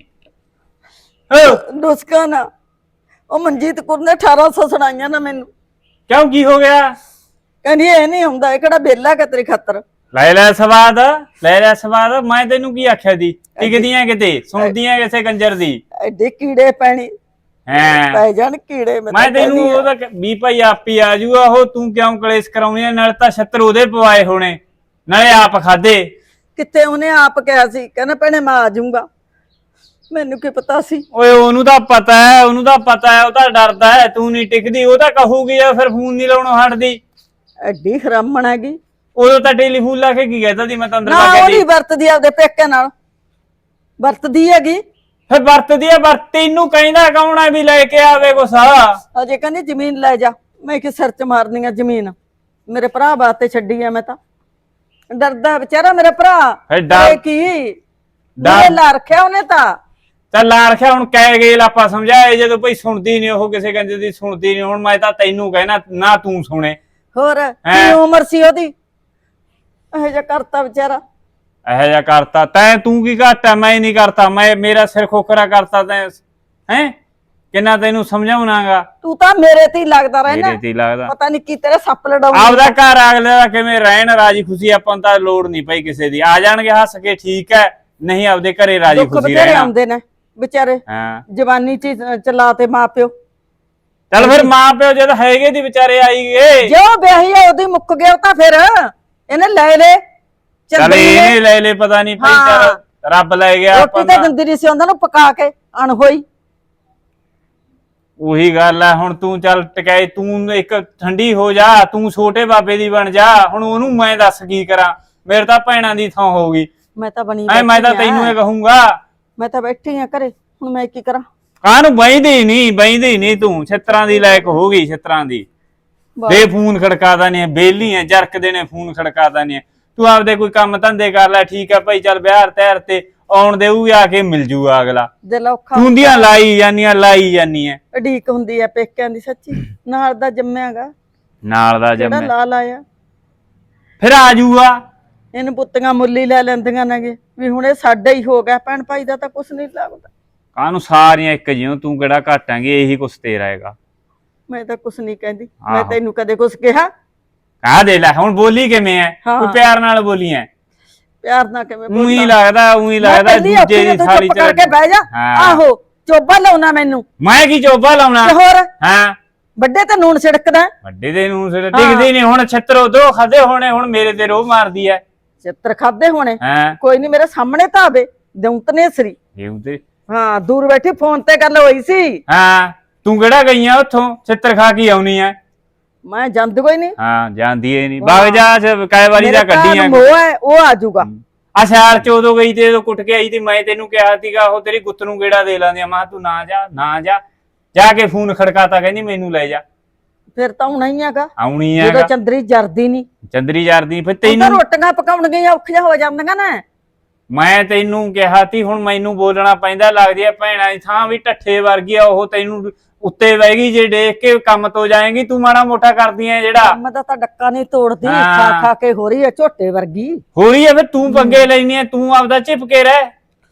E: ਡੁਸਕਾ ਨਾ, ਉਹ ਮਨਜੀਤ ਕੁਰ ਨੇ ਅਠਾਰਾਂ ਸੌ ਸੁਣਾਈਆਂ ਨਾ ਮੈਨੂੰ।
F: ਕਿਉਂ ਕੀ ਹੋ ਗਿਆ?
E: ਕਹਿੰਦੀ ਇਹ ਨਹੀਂ ਹੁੰਦਾ, ਇਹ ਕਿਹੜਾ ਬੇਲਾ ਕਿ ਤੇਰੀ ਖਾਤਰ।
F: ਲੈ ਲੈ ਸਵਾਦ, ਲੈ ਲੈ ਸਵਾਦ। ਮੈਂ ਤੈਨੂੰ ਕੀ ਆਖਿਆ ਦੀ? ਟਿਕਦੀਆਂ ਕਿਤੇ, ਸੁਣਦੀਆਂ ਕਿਸੇ ਕੰਜਰ ਦੀ।
E: ਐਡੇ ਕੀੜੇ ਪੈਣੀ
F: ਹੈ
E: ਪੈ ਜਾਣ ਕੀੜੇ।
F: ਮੈਂ ਤੈਨੂੰ ਉਹਦਾ ਵੀ ਭਾਈ ਆਪੀ ਆ ਜੂਗਾ ਉਹ, ਤੂੰ ਕਿਉਂ ਕਲੇਸ਼ ਕਰਾਉਣੀ? ਨਾਲ ਤਾਂ ਛੱਤਰ ਉਹਦੇ ਪਵਾਏ ਹੋਣੇ, ਨਾਲੇ ਆਪ ਖਾਦੇ।
E: ਕਿਤੇ ਉਹਨੇ ਆਪ ਕਿਹਾ ਸੀ, ਕਹਿੰਦਾ ਭੈਣੇ ਮੈਂ ਆ ਜਾਊਂਗਾ। ਮੈਨੂੰ ਕੀ ਪਤਾ ਸੀ?
F: ਓਏ ਉਹਨੂੰ ਤਾਂ ਪਤਾ ਹੈ, ਉਹਨੂੰ ਤਾਂ ਪਤਾ ਹੈ, ਉਹ ਤਾਂ ਡਰਦਾ ਹੈ ਤੂੰ ਨਹੀਂ ਟਿਕਦੀ। ਉਹ ਤਾਂ ਕਹੂਗੀ ਜਾਂ ਫਿਰ ਫੋਨ ਨਹੀਂ ਲਾਉਣੋਂ ਹਟਦੀ।
E: ਐਡੀ ਹਰਾਮਣ ਹੈਗੀ।
F: ਉਦੋਂ ਤਾਂ ਟੈਲੀਫੋਨ ਲਾ ਕੇ ਕੀ ਕਹਿਤਾ ਸੀ ਮੈਂ ਤਾਂ ਅੰਦਰ
E: ਨਾ
F: ਲਾ ਕੇ
E: ਉਹਦੀ ਵਰਤਦੀ ਆਪਦੇ ਪੇਕੇ ਨਾਲ, ਵਰਤਦੀ ਹੈਗੀ।
F: ਫਿਰ ਵਰਤਦੀ ਆ, ਵਰਤ ਤੈਨੂੰ ਕਹਿੰਦਾ ਕੌਣ ਆ ਵੀ ਲੈ ਕੇ ਆਵੇ ਕੁਛ?
E: ਅਜੇ ਕਹਿੰਦੀ ਜ਼ਮੀਨ ਲੈ ਜਾ। ਮੈਂ ਕਿ ਸਿਰ ਚ ਮਾਰਨੀ ਆ ਜ਼ਮੀਨ, ਮੇਰੇ ਭਰਾ ਬਾਤੇ ਛੱਡੀ ਆ। ਮੈਂ ਤਾਂ ਡਰਦਾ ਵਿਚਾਰਾ ਮੇਰਾ ਭਰਾ।
F: ਡਰ
E: ਕੀ
F: ਡਰ
E: ਲਾ ਰੱਖਿਆ ਉਹਨੇ ਤਾਂ।
F: ਚੱਲ ਲਾ ਰੱਖਿਆ, ਹੁਣ ਕਹਿ ਗਏ ਆਪਾਂ ਸਮਝਾਏ ਜਦੋਂ ਭਾਈ ਸੁਣਦੀ ਨਹੀਂ ਉਹ, ਕਿਸੇ ਕੰਜੇ ਦੀ ਸੁਣਦੀ ਨਹੀਂ। ਹੁਣ ਮੈਂ ਤਾਂ ਤੈਨੂੰ ਕਹਿਣਾ ਨਾ ਤੂੰ ਸੁਣੇ।
E: ਹੋਰ ਕੀ ਉਮਰ ਸੀ ਉਹਦੀ, ਇਹੋ ਜਿਹਾ ਕਰਤਾ ਵਿਚਾਰਾ।
F: ਇਹੋ ਜਿਹਾ ਕਰਤਾ ਤੈਂ? ਤੂੰ ਕੀ ਘਾਟਾ? ਮੈਂ ਨਹੀਂ ਕਰਤਾ, ਮੈਂ ਮੇਰਾ ਸਿਰ ਖੋਖਰਾ ਕਰਤਾ ਤੈਂ। ਹੈ ਕਿੰਨਾ ਤੈਨੂੰ ਸਮਝਾਉਣਾਗਾ?
E: ਤੂੰ ਤਾਂ ਮੇਰੇ ਤੇ ਹੀ ਲੱਗਦਾ ਰਹਿਣਾ।
F: ਮੇਰੇ ਤੇ ਹੀ ਲੱਗਦਾ,
E: ਪਤਾ ਨਹੀਂ ਕੀ ਤੇਰੇ ਸੱਪ ਲੜਾਉਂਦਾ।
F: ਆਪਦਾ ਘਰ ਅਗਲੇ ਦਾ ਕਿਵੇਂ ਰਹਿਣ ਰਾਜੀ ਖੁਸ਼ੀ। ਆਪਾਂ ਨੂੰ ਤਾਂ ਲੋੜ ਨਹੀਂ ਪਈ ਕਿਸੇ ਦੀ। ਆ ਜਾਣਗੇ ਹੱਸ ਕੇ ਠੀਕ ਹੈ, ਨਹੀਂ ਆਪਦੇ ਘਰੇ ਰਾਜੀ ਖੁਸ਼ੀ ਰਹਿਣਾ।
E: ਆਉਂਦੇ ਨੇ ਵਿਚਾਰੇ
F: ਹਾਂ
E: ਜਵਾਨੀ ਚ ਚਲਾ ਤੇ ਮਾਂ ਪਿਓ।
F: ਚੱਲ ਫਿਰ ਮਾਂ ਪਿਓ ਜਦ ਹੈਗੇ ਦੀ ਵਿਚਾਰੇ ਆਈ ਗਏ।
E: ਜੋ ਵਿਆਹੀ ਆ ਉਹਦੀ ਮੁੱਕ ਗਿਆ, ਤਾਂ ਫਿਰ ਇਹਨੇ ਲੈ ਲੈ।
F: ਚੱਲ ਇਹਨੇ ਲੈ ਲੈ, ਪਤਾ ਨਹੀਂ ਭਾਈ ਚੱਲ ਰੱਬ ਲੈ ਗਿਆ।
E: ਰੋਟੀ ਤਾਂ ਦਿੰਦੀ ਨਹੀਂ ਸੀ ਉਹਨਾਂ ਨੂੰ ਪਕਾ ਕੇ, ਅਣਹੋਈ।
F: ਉਹੀ ਗੱਲ ਆ, ਹੁਣ ਤੂੰ ਚੱਲ ਟਕਾਈ, ਤੂੰ ਇੱਕ ਠੰਡੀ ਹੋ ਜਾ, ਤੂੰ ਛੋਟੇ ਬਾਬੇ ਦੀ ਬਣ ਜਾ। ਹੁਣ ਉਹਨੂੰ ਮੈਂ ਦੱਸ ਕੀ ਕਰਾਂ? ਮੇਰੇ ਤਾਂ ਭੈਣਾਂ ਦੀ ਥਾਂ ਹੋ ਗਈ।
E: ਮੈਂ ਤਾਂ ਬਣੀ
F: ਐ ਮੈਂ ਤਾਂ ਤੈਨੂੰ ਇਹ ਕਹੂੰਗਾ।
E: ਮੈਂ ਤਾਂ ਬੈਠੀ ਆ ਘਰੇ, ਹੁਣ ਮੈਂ ਕੀ ਕਰਾਂ?
F: ਕਾਹਨੂੰ ਬੈਂਦੀ ਨਹੀਂ ਬੈਂਦੀ ਨਹੀਂ ਤੂੰ ਛਿੱਤਰਾਂ ਦੀ ਲਾਇਕ ਹੋ ਗਈ ਛਿੱਤਰਾਂ ਦੀ ਬੇ ਫੋਨ ਖੜਕਾਦਾ ਨਹੀਂ ਬੇਲੀ ਐ ਜਰਕਦੇ ਨੇ ਫੋਨ ਖੜਕਾਦਾ ਨਹੀਂ ਤੂੰ ਆਪਦੇ ਕੋਈ ਕੰਮ ਧੰਦੇ ਕਰ ਲੈ ਠੀਕ ਆ ਭਾਈ ਚੱਲ ਵਿਆਹ ਤੈਰ ਤੇ ਆਉਣ ਦੇਊ ਆ ਕੇ ਮਿਲ ਜੂਗਾ ਅਗਲਾ
E: ਦਿਲ ਔਖਾ
F: ਹੁੰਦੀਆਂ ਲਾਈ ਜਾਨੀਆਂ ਲਾਈ ਜਾਨੀਆਂ
E: ਉਡੀਕ ਹੁੰਦੀ ਆ ਪੇਕਿਆਂ ਦੀ ਸੱਚੀ ਨਾਲ ਦਾ ਜੰਮਿਆਗਾ
F: ਨਾਲ ਦਾ
E: ਜਿਹੜਾ
F: ਜੰਮੇ
E: ਲਾ ਲਾਇਆ
F: ਫਿਰ ਆ ਜੂਗਾ
E: ਇਹਨੂੰ ਪੁੱਤੀਆਂ ਮੁੱਲੀ ਲੈ ਲੈਂਦੀਆਂ ਨੇਗੇ ਵੀ ਹੁਣ ਇਹ ਸਾਡਾ ਹੀ ਹੋ ਗਿਆ ਭੈਣ ਭਾਈ ਦਾ ਤਾਂ ਕੁਛ ਨਹੀਂ ਲੱਗਦਾ
F: ਕਾਹਨੂੰ ਸਾਰੀਆਂ ਇੱਕ ਜਿਉਂ ਤੂੰ ਕਿਹੜਾ ਘਟਾਂਗੇ ਇਹੀ ਕੁਛ ਤੇਰਾ ਹੈਗਾ
E: ਮੈਂ ਤਾਂ ਕੁਛ ਨਹੀਂ ਕਹਿੰਦੀ ਮੈਂ ਤੈਨੂੰ ਕਦੇ ਕੁਛ ਕਿਹਾ
F: ਆ ਦੇ ਲੈ ਹੁਣ ਬੋਲੀ ਕਿਵੇਂ ਐ ਤੂੰ ਪਿਆਰ ਨਾਲ ਬੋਲੀ ਐ
E: ਪਿਆਰ ਨਾਲ ਕਿਵੇਂ
F: ਉਹੀ ਲੱਗਦਾ ਉਹੀ ਲੱਗਦਾ ਦੂਜੇ ਦੀ ਸਾਰੀ
E: ਚੁੱਪ ਕਰਕੇ ਬਹਿ ਜਾ ਆਹੋ ਚੋਬਾ ਲਾਉਣਾ ਮੈਨੂੰ
F: ਮੈਂ ਕੀ ਚੋਬਾ ਲਾਉਣਾ
E: ਤੇ ਹੋਰ
F: ਹਾਂ
E: ਵੱਡੇ ਤੇ ਨੂਣ ਛਿੜਕਦਾ
F: ਵੱਡੇ ਦੇ ਨੂੰ ਸਿਰ ਡਿੱਗਦੀ ਨਹੀਂ ਹੁਣ ਛੱਤਰ ਉਧਰੋਂ ਖਾਦੇ ਹੋਣੇ ਹੁਣ ਮੇਰੇ ਤੇ ਰੋਹ ਮਾਰਦੀ ਐ
E: ਚਿੱਤਰ ਖਾਦੇ ਹੋਣੇ
F: ਹਾਂ
E: ਕੋਈ ਨਹੀਂ ਮੇਰੇ ਸਾਹਮਣੇ ਤਾਂ ਆਵੇ ਦਉਂਤਨੇ ਸਰੀ
F: ਇਹ ਤੇ
E: ਹਾਂ ਦੂਰ ਬੈਠੀ ਫੋਨ ਤੇ ਗੱਲ ਹੋਈ ਸੀ
F: ਹਾਂ ਤੂੰ ਕਿਹੜਾ ਗਈ ਆ ਉੱਥੋਂ ਛਿੱਤਰ ਖਾ ਕੇ ਆਉਣੀ ਐ
E: ਮੈਂ ਜਾਂਦੀ ਕੋਈ ਨਹੀਂ
F: ਹਾਂ ਜਾਂਦੀ ਏ ਨਹੀਂ ਬਾਗ ਜਾ ਕਈ ਵਾਰੀ ਦਾ ਕੱਢੀ ਆ
E: ਉਹ ਹੈ ਉਹ ਆ ਜਾਊਗਾ
F: ਆ ਸਿਆਲ ਚ ਉਦੋਂ ਗਈ ਤੇ ਉਦੋਂ ਕੁੱਟ ਕੇ ਆਈ ਤੇ ਮੈਂ ਤੈਨੂੰ ਕਿਹਾ ਸੀਗਾ ਉਹ ਤੇਰੀ ਗੁੱਤ ਨੂੰ ਗੇੜਾ ਦੇ ਲਾਂਦੇ ਮਾਂ ਤੂੰ ਨਾ ਜਾ ਨਾ ਜਾ ਜਾ ਕੇ ਫੋਨ ਖੜਕਾਤਾ ਕਹਿੰਦੀ ਮੈਨੂੰ ਲੈ ਜਾ
E: ਫਿਰ ਤਾਂ ਹੁਣ ਹੀ ਹੈਗਾ
F: ਆਉਣੀ
E: ਜਦੋਂ
F: ਹੈਗਾ
E: ਚੰਦਰੀ ਜਰਦੀ ਨਹੀਂ
F: ਚੰਦਰੀ ਯਾਰਦੀ ਫਿਰ
E: ਉਹ ਤਾਂ
F: ਤੈਨੂੰ
E: ਰੋਟੀਆਂ ਪਕਾਉਣਗੀਆਂ ਔਖੀਆਂ ਹੋ ਜਾਂਦੀਆਂ ਨਾ
F: ਮੈਂ ਤੈਨੂੰ ਕਿਹਾ ਤੀ ਹੁਣ ਮੈਨੂੰ ਬੋਲਣਾ ਪੈਂਦਾ ਲੱਗਦੀ ਆ ਭੈਣਾਂ ਦੀ ਥਾਂ ਵੀ ਢੱਠੇ ਵਰਗੀ ਆ ਉਹ ਤੈਨੂੰ ਉੱਤੇ ਬਹਿ ਗਈ ਜੇ ਦੇਖ ਕੇ ਕੰਮ ਤੋਂ ਜਾਏਗੀ ਤੂੰ ਮਾੜਾ ਮੋਟਾ ਕਰਦੀ ਐ ਜਿਹੜਾ
E: ਕੰਮ ਦਾ ਤਾਂ ਡੱਕਾ ਨਹੀਂ ਤੋੜਦੀ ਖਾ ਖਾ ਕੇ ਹੋ ਰਹੀ ਹੈ ਝੋਟੇ ਵਰਗੀ
F: ਹੋ ਰਹੀ ਐ ਫਿਰ ਤੂੰ ਪੰਗੇ ਲੈਣੀ ਐ ਤੂੰ ਆਪਦਾ ਚਿਪ ਕੇ ਰਹਿ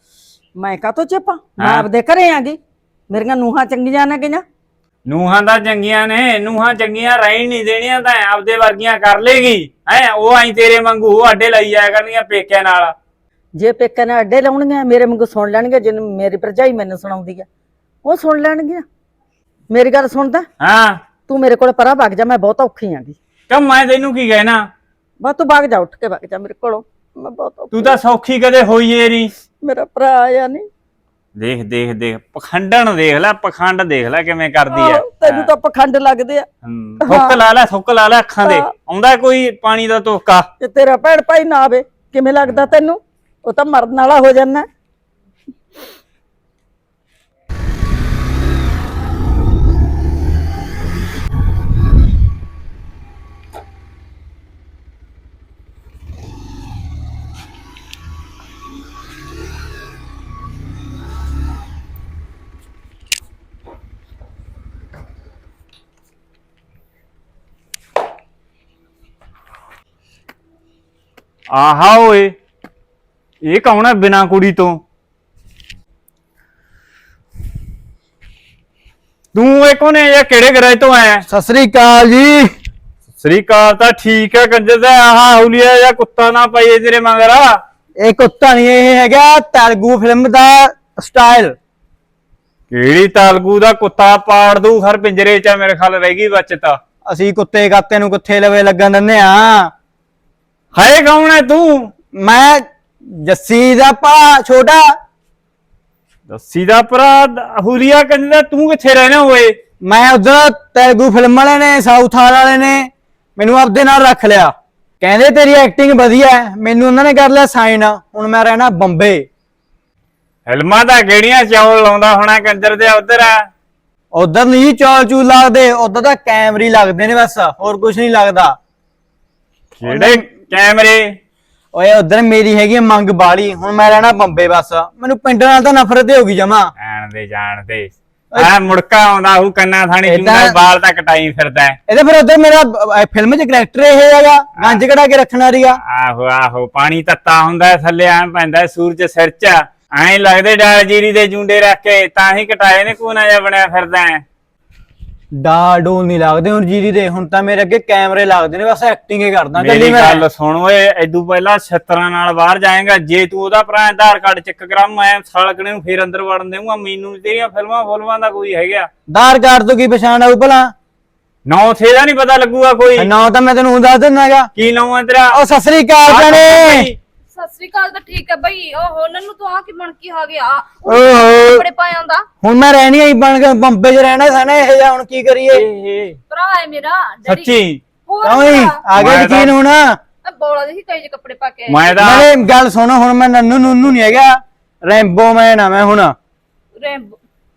E: ਮੈਂ ਕਾਹਤੋਂ ਚਿਪਾਂ ਮੈਂ ਆਪਦੇ ਘਰੇ ਆਂਗੀ ਮੇਰੀਆਂ ਨੂਹਾਂ ਚੰਗੀਆਂ ਨੇ ਗਈਆਂ
F: ਨੂਹਾਂ ਦਾ ਚੰਗੀਆਂ ਨੇ ਨੂਹਾਂ ਚੰਗੀਆਂ ਰਹਿਣ ਨਹੀਂ ਦੇਣੀਆਂ ਤਾਂ ਆਪਦੇ ਵਰਗੀਆਂ ਕਰ ਲੇਗੀ ਹੈ ਉਹ ਆਈ ਤੇਰੇ ਵਾਂਗੂ ਉਹ ਅੱਡੇ ਲਈ ਜਾਇਆ ਕਰਨੀਆਂ ਪੇਕਿਆਂ ਨਾਲ
E: ਜੇ ਪੇਕਿਆਂ ਨੇ ਅੱਡੇ ਲਾਉਣਗੇ ਮੇਰੇ ਵਾਂਗੂ ਸੁਣ ਲੈਣਗੇ ਜਿਹਨੂੰ ਮੇਰੀ ਭਰਜਾਈ ਮੈਨੂੰ ਸੁਣਾਉਂਦੀ ਆ ਉਹ ਸੁਣ ਲੈਣਗੀਆਂ ਮੇਰੀ ਗੱਲ ਸੁਣਦਾ
F: ਹਾਂ
E: ਤੂੰ ਮੇਰੇ ਕੋਲ ਪਰਾਂ ਵਗ ਜਾ ਮੈਂ ਬਹੁਤ ਔਖੀ ਆਂਗੀ
F: ਕਿਉਂ ਮੈਂ ਤੈਨੂੰ ਕੀ ਕਹਿਣਾ
E: ਬਸ ਤੂੰ ਵਗ ਜਾ ਉੱਠ ਕੇ ਵਗ ਜਾ ਮੇਰੇ ਕੋਲੋਂ ਮੈਂ ਬਹੁਤ ਔਖੀ
F: ਤੂੰ ਤਾਂ ਸੌਖੀ ਕਦੇ ਹੋਈ ਏ ਨਹੀਂ
E: ਮੇਰਾ ਭਰਾ ਆਇਆ ਨਹੀਂ
F: ਦੇਖ ਦੇਖ ਦੇਖ ਪਖੰਡਣ ਦੇਖ ਲੈ ਪਖੰਡ ਦੇਖ ਲੈ ਕਿਵੇਂ ਕਰਦੀ ਐ
E: ਤੈਨੂੰ ਤਾਂ ਪਖੰਡ ਲੱਗਦੇ ਆ
F: ਥੁੱਕ ਲਾ ਲੈ ਥੁੱਕ ਲਾ ਲੈ ਅੱਖਾਂ ਦੇ ਆਉਂਦਾ ਕੋਈ ਪਾਣੀ ਦਾ ਤੋਕਾ
E: ਤੇ ਤੇਰਾ ਭੈਣ ਭਾਈ ਨਾ ਆਵੇ ਕਿਵੇਂ ਲੱਗਦਾ ਤੈਨੂੰ ਉਹ ਤਾਂ ਮਰਨ ਵਾਲਾ ਹੋ ਜਾਂਦਾ
F: ਆਹਾ ਓਏ ਇਹ ਕੌਣ ਹੈ ਬਿਨਾ ਕੁੜੀ ਤੋਂ ਤੂੰ ਇਹ ਕੋਨੇ ਜਾਂ ਕਿਹੜੇ ਗਰਾਜ ਤੋਂ ਆਇਆ
B: ਸਤਿ ਸ੍ਰੀ ਅਕਾਲ ਜੀ
F: ਸ੍ਰੀ ਅਕਾਲ ਤਾਂ ਠੀਕ ਹੈ ਕੰਜਰ ਦਾ ਆਹਾ ਹੁਲੀਆ ਜਾਂ ਕੁੱਤਾ ਨਾ ਪਾਈਏ ਤੇਰੇ ਮਗਰ
B: ਇਹ ਕੁੱਤਾ ਨਹੀਂ ਇਹ ਹੈਗਾ ਤੇਲਗੂ ਫਿਲਮ ਦਾ ਸਟਾਈਲ
F: ਕਿਹੜੀ ਤਾਲਗੂ ਦਾ ਕੁੱਤਾ ਪਾੜ ਦੂ ਹਰ ਪਿੰਜਰੇ ਚ ਮੇਰੇ ਖਿਆਲ ਰਹਿ ਗਈ ਬਚਤਾ
B: ਅਸੀਂ ਕੁੱਤੇ ਕਾਤੇ ਨੂੰ ਕਿੱਥੇ ਲਵੇ ਲੱਗਣ ਦਿੰਦੇ ਆ
F: ਹਾਏ ਕੌਣ ਹੈ ਤੂੰ
B: ਮੈਂ ਜੱਸੀ ਦਾ ਭਾ ਛੋਟਾ
F: ਦੱਸੀ ਦਾ ਭਰਾ ਹੁਲੀਆ ਕੰਜਰ ਤੂੰ ਕਿੱਥੇ ਰਹਿਣਾ ਓਏ
B: ਮੈਂ ਉਧਰ ਤੇਲਗੂ ਫਿਲਮ ਵਾਲੇ ਨੇ ਸਾਊਥ ਵਾਲੇ ਨੇ ਮੈਨੂੰ ਆਪਦੇ ਨਾਲ ਰੱਖ ਲਿਆ ਕਹਿੰਦੇ ਤੇਰੀ ਐਕਟਿੰਗ ਵਧੀਆ ਹੈ ਮੈਨੂੰ ਉਹਨਾਂ ਨੇ ਕਰ ਲਿਆ ਸਾਈਨ ਹੁਣ ਮੈਂ ਰਹਿਣਾ ਬੰਬੇ
F: ਫਿਲਮਾਂ ਦਾ ਕਿਹੜੀਆਂ ਚੌਲ ਲਾਉਂਦਾ ਹੋਣਾ ਕੰਜਰ ਦੇ ਉਧਰ ਆ
B: ਉਧਰ ਨਹੀਂ ਚੌਲ ਚੂਲ ਲੱਗਦੇ ਉਧਰ ਤਾਂ ਕੈਮਰੇ ਲੱਗਦੇ ਨੇ ਬਸ ਹੋਰ ਕੁਝ ਨਹੀਂ ਲੱਗਦਾ
F: ਕਿਹੜੇ ਕੈਮਰੇ
B: ਓਏ ਉਧਰ ਮੇਰੀ ਹੈਗੀ ਮੰਗ ਬਾਲੀ ਹੁਣ ਮੈਂ ਰਹਿਣਾ ਬੰਬੇ ਬਸ ਮੈਨੂੰ ਪਿੰਡ ਨਾਲ ਤਾਂ ਨਫ਼ਰਤ ਹੀ ਹੋ ਗਈ ਜਮਾ
F: ਆਣ ਦੇ ਜਾਣ ਦੇ ਆ ਮੁੜਕਾ ਆਉਂਦਾ ਉਹ ਕੰਨਾ ਥਾਣੀ ਚੁੰਗਾ ਬਾਲ ਤਾਂ ਕਟਾਈ ਫਿਰਦਾ
B: ਇਹਦੇ ਫਿਰ ਉਧਰ ਮੇਰਾ ਫਿਲਮ 'ਚ ਕਰੈਕਟਰ ਇਹ ਹੈਗਾ ਗੰਜ ਕਢਾ ਕੇ ਰੱਖਣਾ ਰੀਗਾ
F: ਆਹੋ ਆਹੋ ਪਾਣੀ ਤੱਤਾ ਹੁੰਦਾ ਥੱਲੇ ਆਂ ਪੈਂਦਾ ਸੂਰਜ ਸਿਰ 'ਚ ਐਂ ਲੱਗਦੇ ਡਾਲ ਜੀਰੀ ਦੇ ਜੁੰਡੇ ਰੱਖ ਕੇ ਤਾਂ ਹੀ ਕਟਾਏ ਨੇ ਕੋਨਾ ਜਿਹਾ ਬਣਿਆ ਫਿਰਦਾ
B: ਡਾ ਡੋਲ ਨਹੀਂ ਲੱਗਦੇ ਹੁਣ ਜੀਰੀ ਦੇ ਹੁਣ ਤਾਂ ਮੇਰੇ ਅੱਗੇ ਕੈਮਰੇ ਲੱਗਦੇ ਨੇ ਬਸ ਐਕਟਿੰਗ ਹੀ ਕਰਦਾ
F: ਮੇਰੀ ਗੱਲ ਸੁਣ ਓਏ ਐਦੂ ਪਹਿਲਾਂ ਛਤਰਾਂ ਨਾਲ ਬਾਹਰ ਜਾਏਗਾ ਜੇ ਤੂੰ ਉਹਦਾ ਭਰਾ ਆਧਾਰ ਕਾਰਡ ਚੈੱਕ ਕਰਾ ਮੈਂ ਸਾਲਕਣੇ ਨੂੰ ਫੇਰ ਅੰਦਰ ਵੜਨ ਦੇਵਾਂਗਾ ਮੈਨੂੰ ਤੇਰੀਆਂ ਫਿਲਮਾਂ ਫੁਲਮਾਂ ਦਾ ਕੋਈ ਹੈਗਾ
B: ਆਧਾਰ ਕਾਰਡ ਤੋਂ ਕੀ ਪਛਾਣ ਆਊ ਭਲਾ
F: ਨੌ ਥੇ ਦਾ ਨਹੀਂ ਪਤਾ ਲੱਗੂਗਾ ਕੋਈ
B: ਨਾ ਤਾਂ ਮੈਂ ਤੈਨੂੰ ਦੱਸ ਦਿੰਦਾਗਾ
F: ਕੀ ਨਾਮ ਹੈ ਤੇਰਾ
B: ਉਹ ਸਤਿ ਸ੍ਰੀ ਅਕਾਲ ਭੈਣੇ
G: ਸਤਿ ਸ੍ਰੀ ਅਕਾਲ ਤਾਂ ਠੀਕ ਹੈ ਬਈ ਉਹ ਉਹਨਾਂ ਨੂੰ ਤੂੰ ਆ ਕੀ ਬਣ ਕੇ ਆ ਗਿਆ
B: ਓਹੋ
G: ਕੱਪੜੇ ਪਾਇਆ ਹੁੰਦਾ
B: ਹੁਣ ਮੈਂ ਰਹਿਣੀ ਆਈ ਬਣ ਕੇ ਬੰਬੇ 'ਚ ਰਹਿਣਾ ਸਾਨੇ ਇਹ ਜਾ ਹੁਣ ਕੀ ਕਰੀਏ
G: ਭਰਾ ਹੈ ਮੇਰਾ ਡੈਡੀ
F: ਸੱਚੀ
G: ਹੋਰ
B: ਕਿਉਂ ਹੀ ਆ ਗਿਆ ਯਕੀਨ ਹੁਣ
G: ਮੈਂ ਬੋਲਾ ਦੇ ਸੀ ਕਈ ਜਿਹੇ ਕੱਪੜੇ ਪਾ ਕੇ ਆਈ।
F: ਮੈਂ ਤਾਂ
B: ਨਾਲੇ ਗੱਲ ਸੁਣੋ ਹੁਣ ਮੈਂ ਨੰਨੂ ਨੁੰਨੂ ਨਹੀਂ ਹੈਗਾ ਰੈਂਬੋ ਮੈਨ ਆ ਮੈਂ ਹੁਣ
G: ਰੈਂਬੋ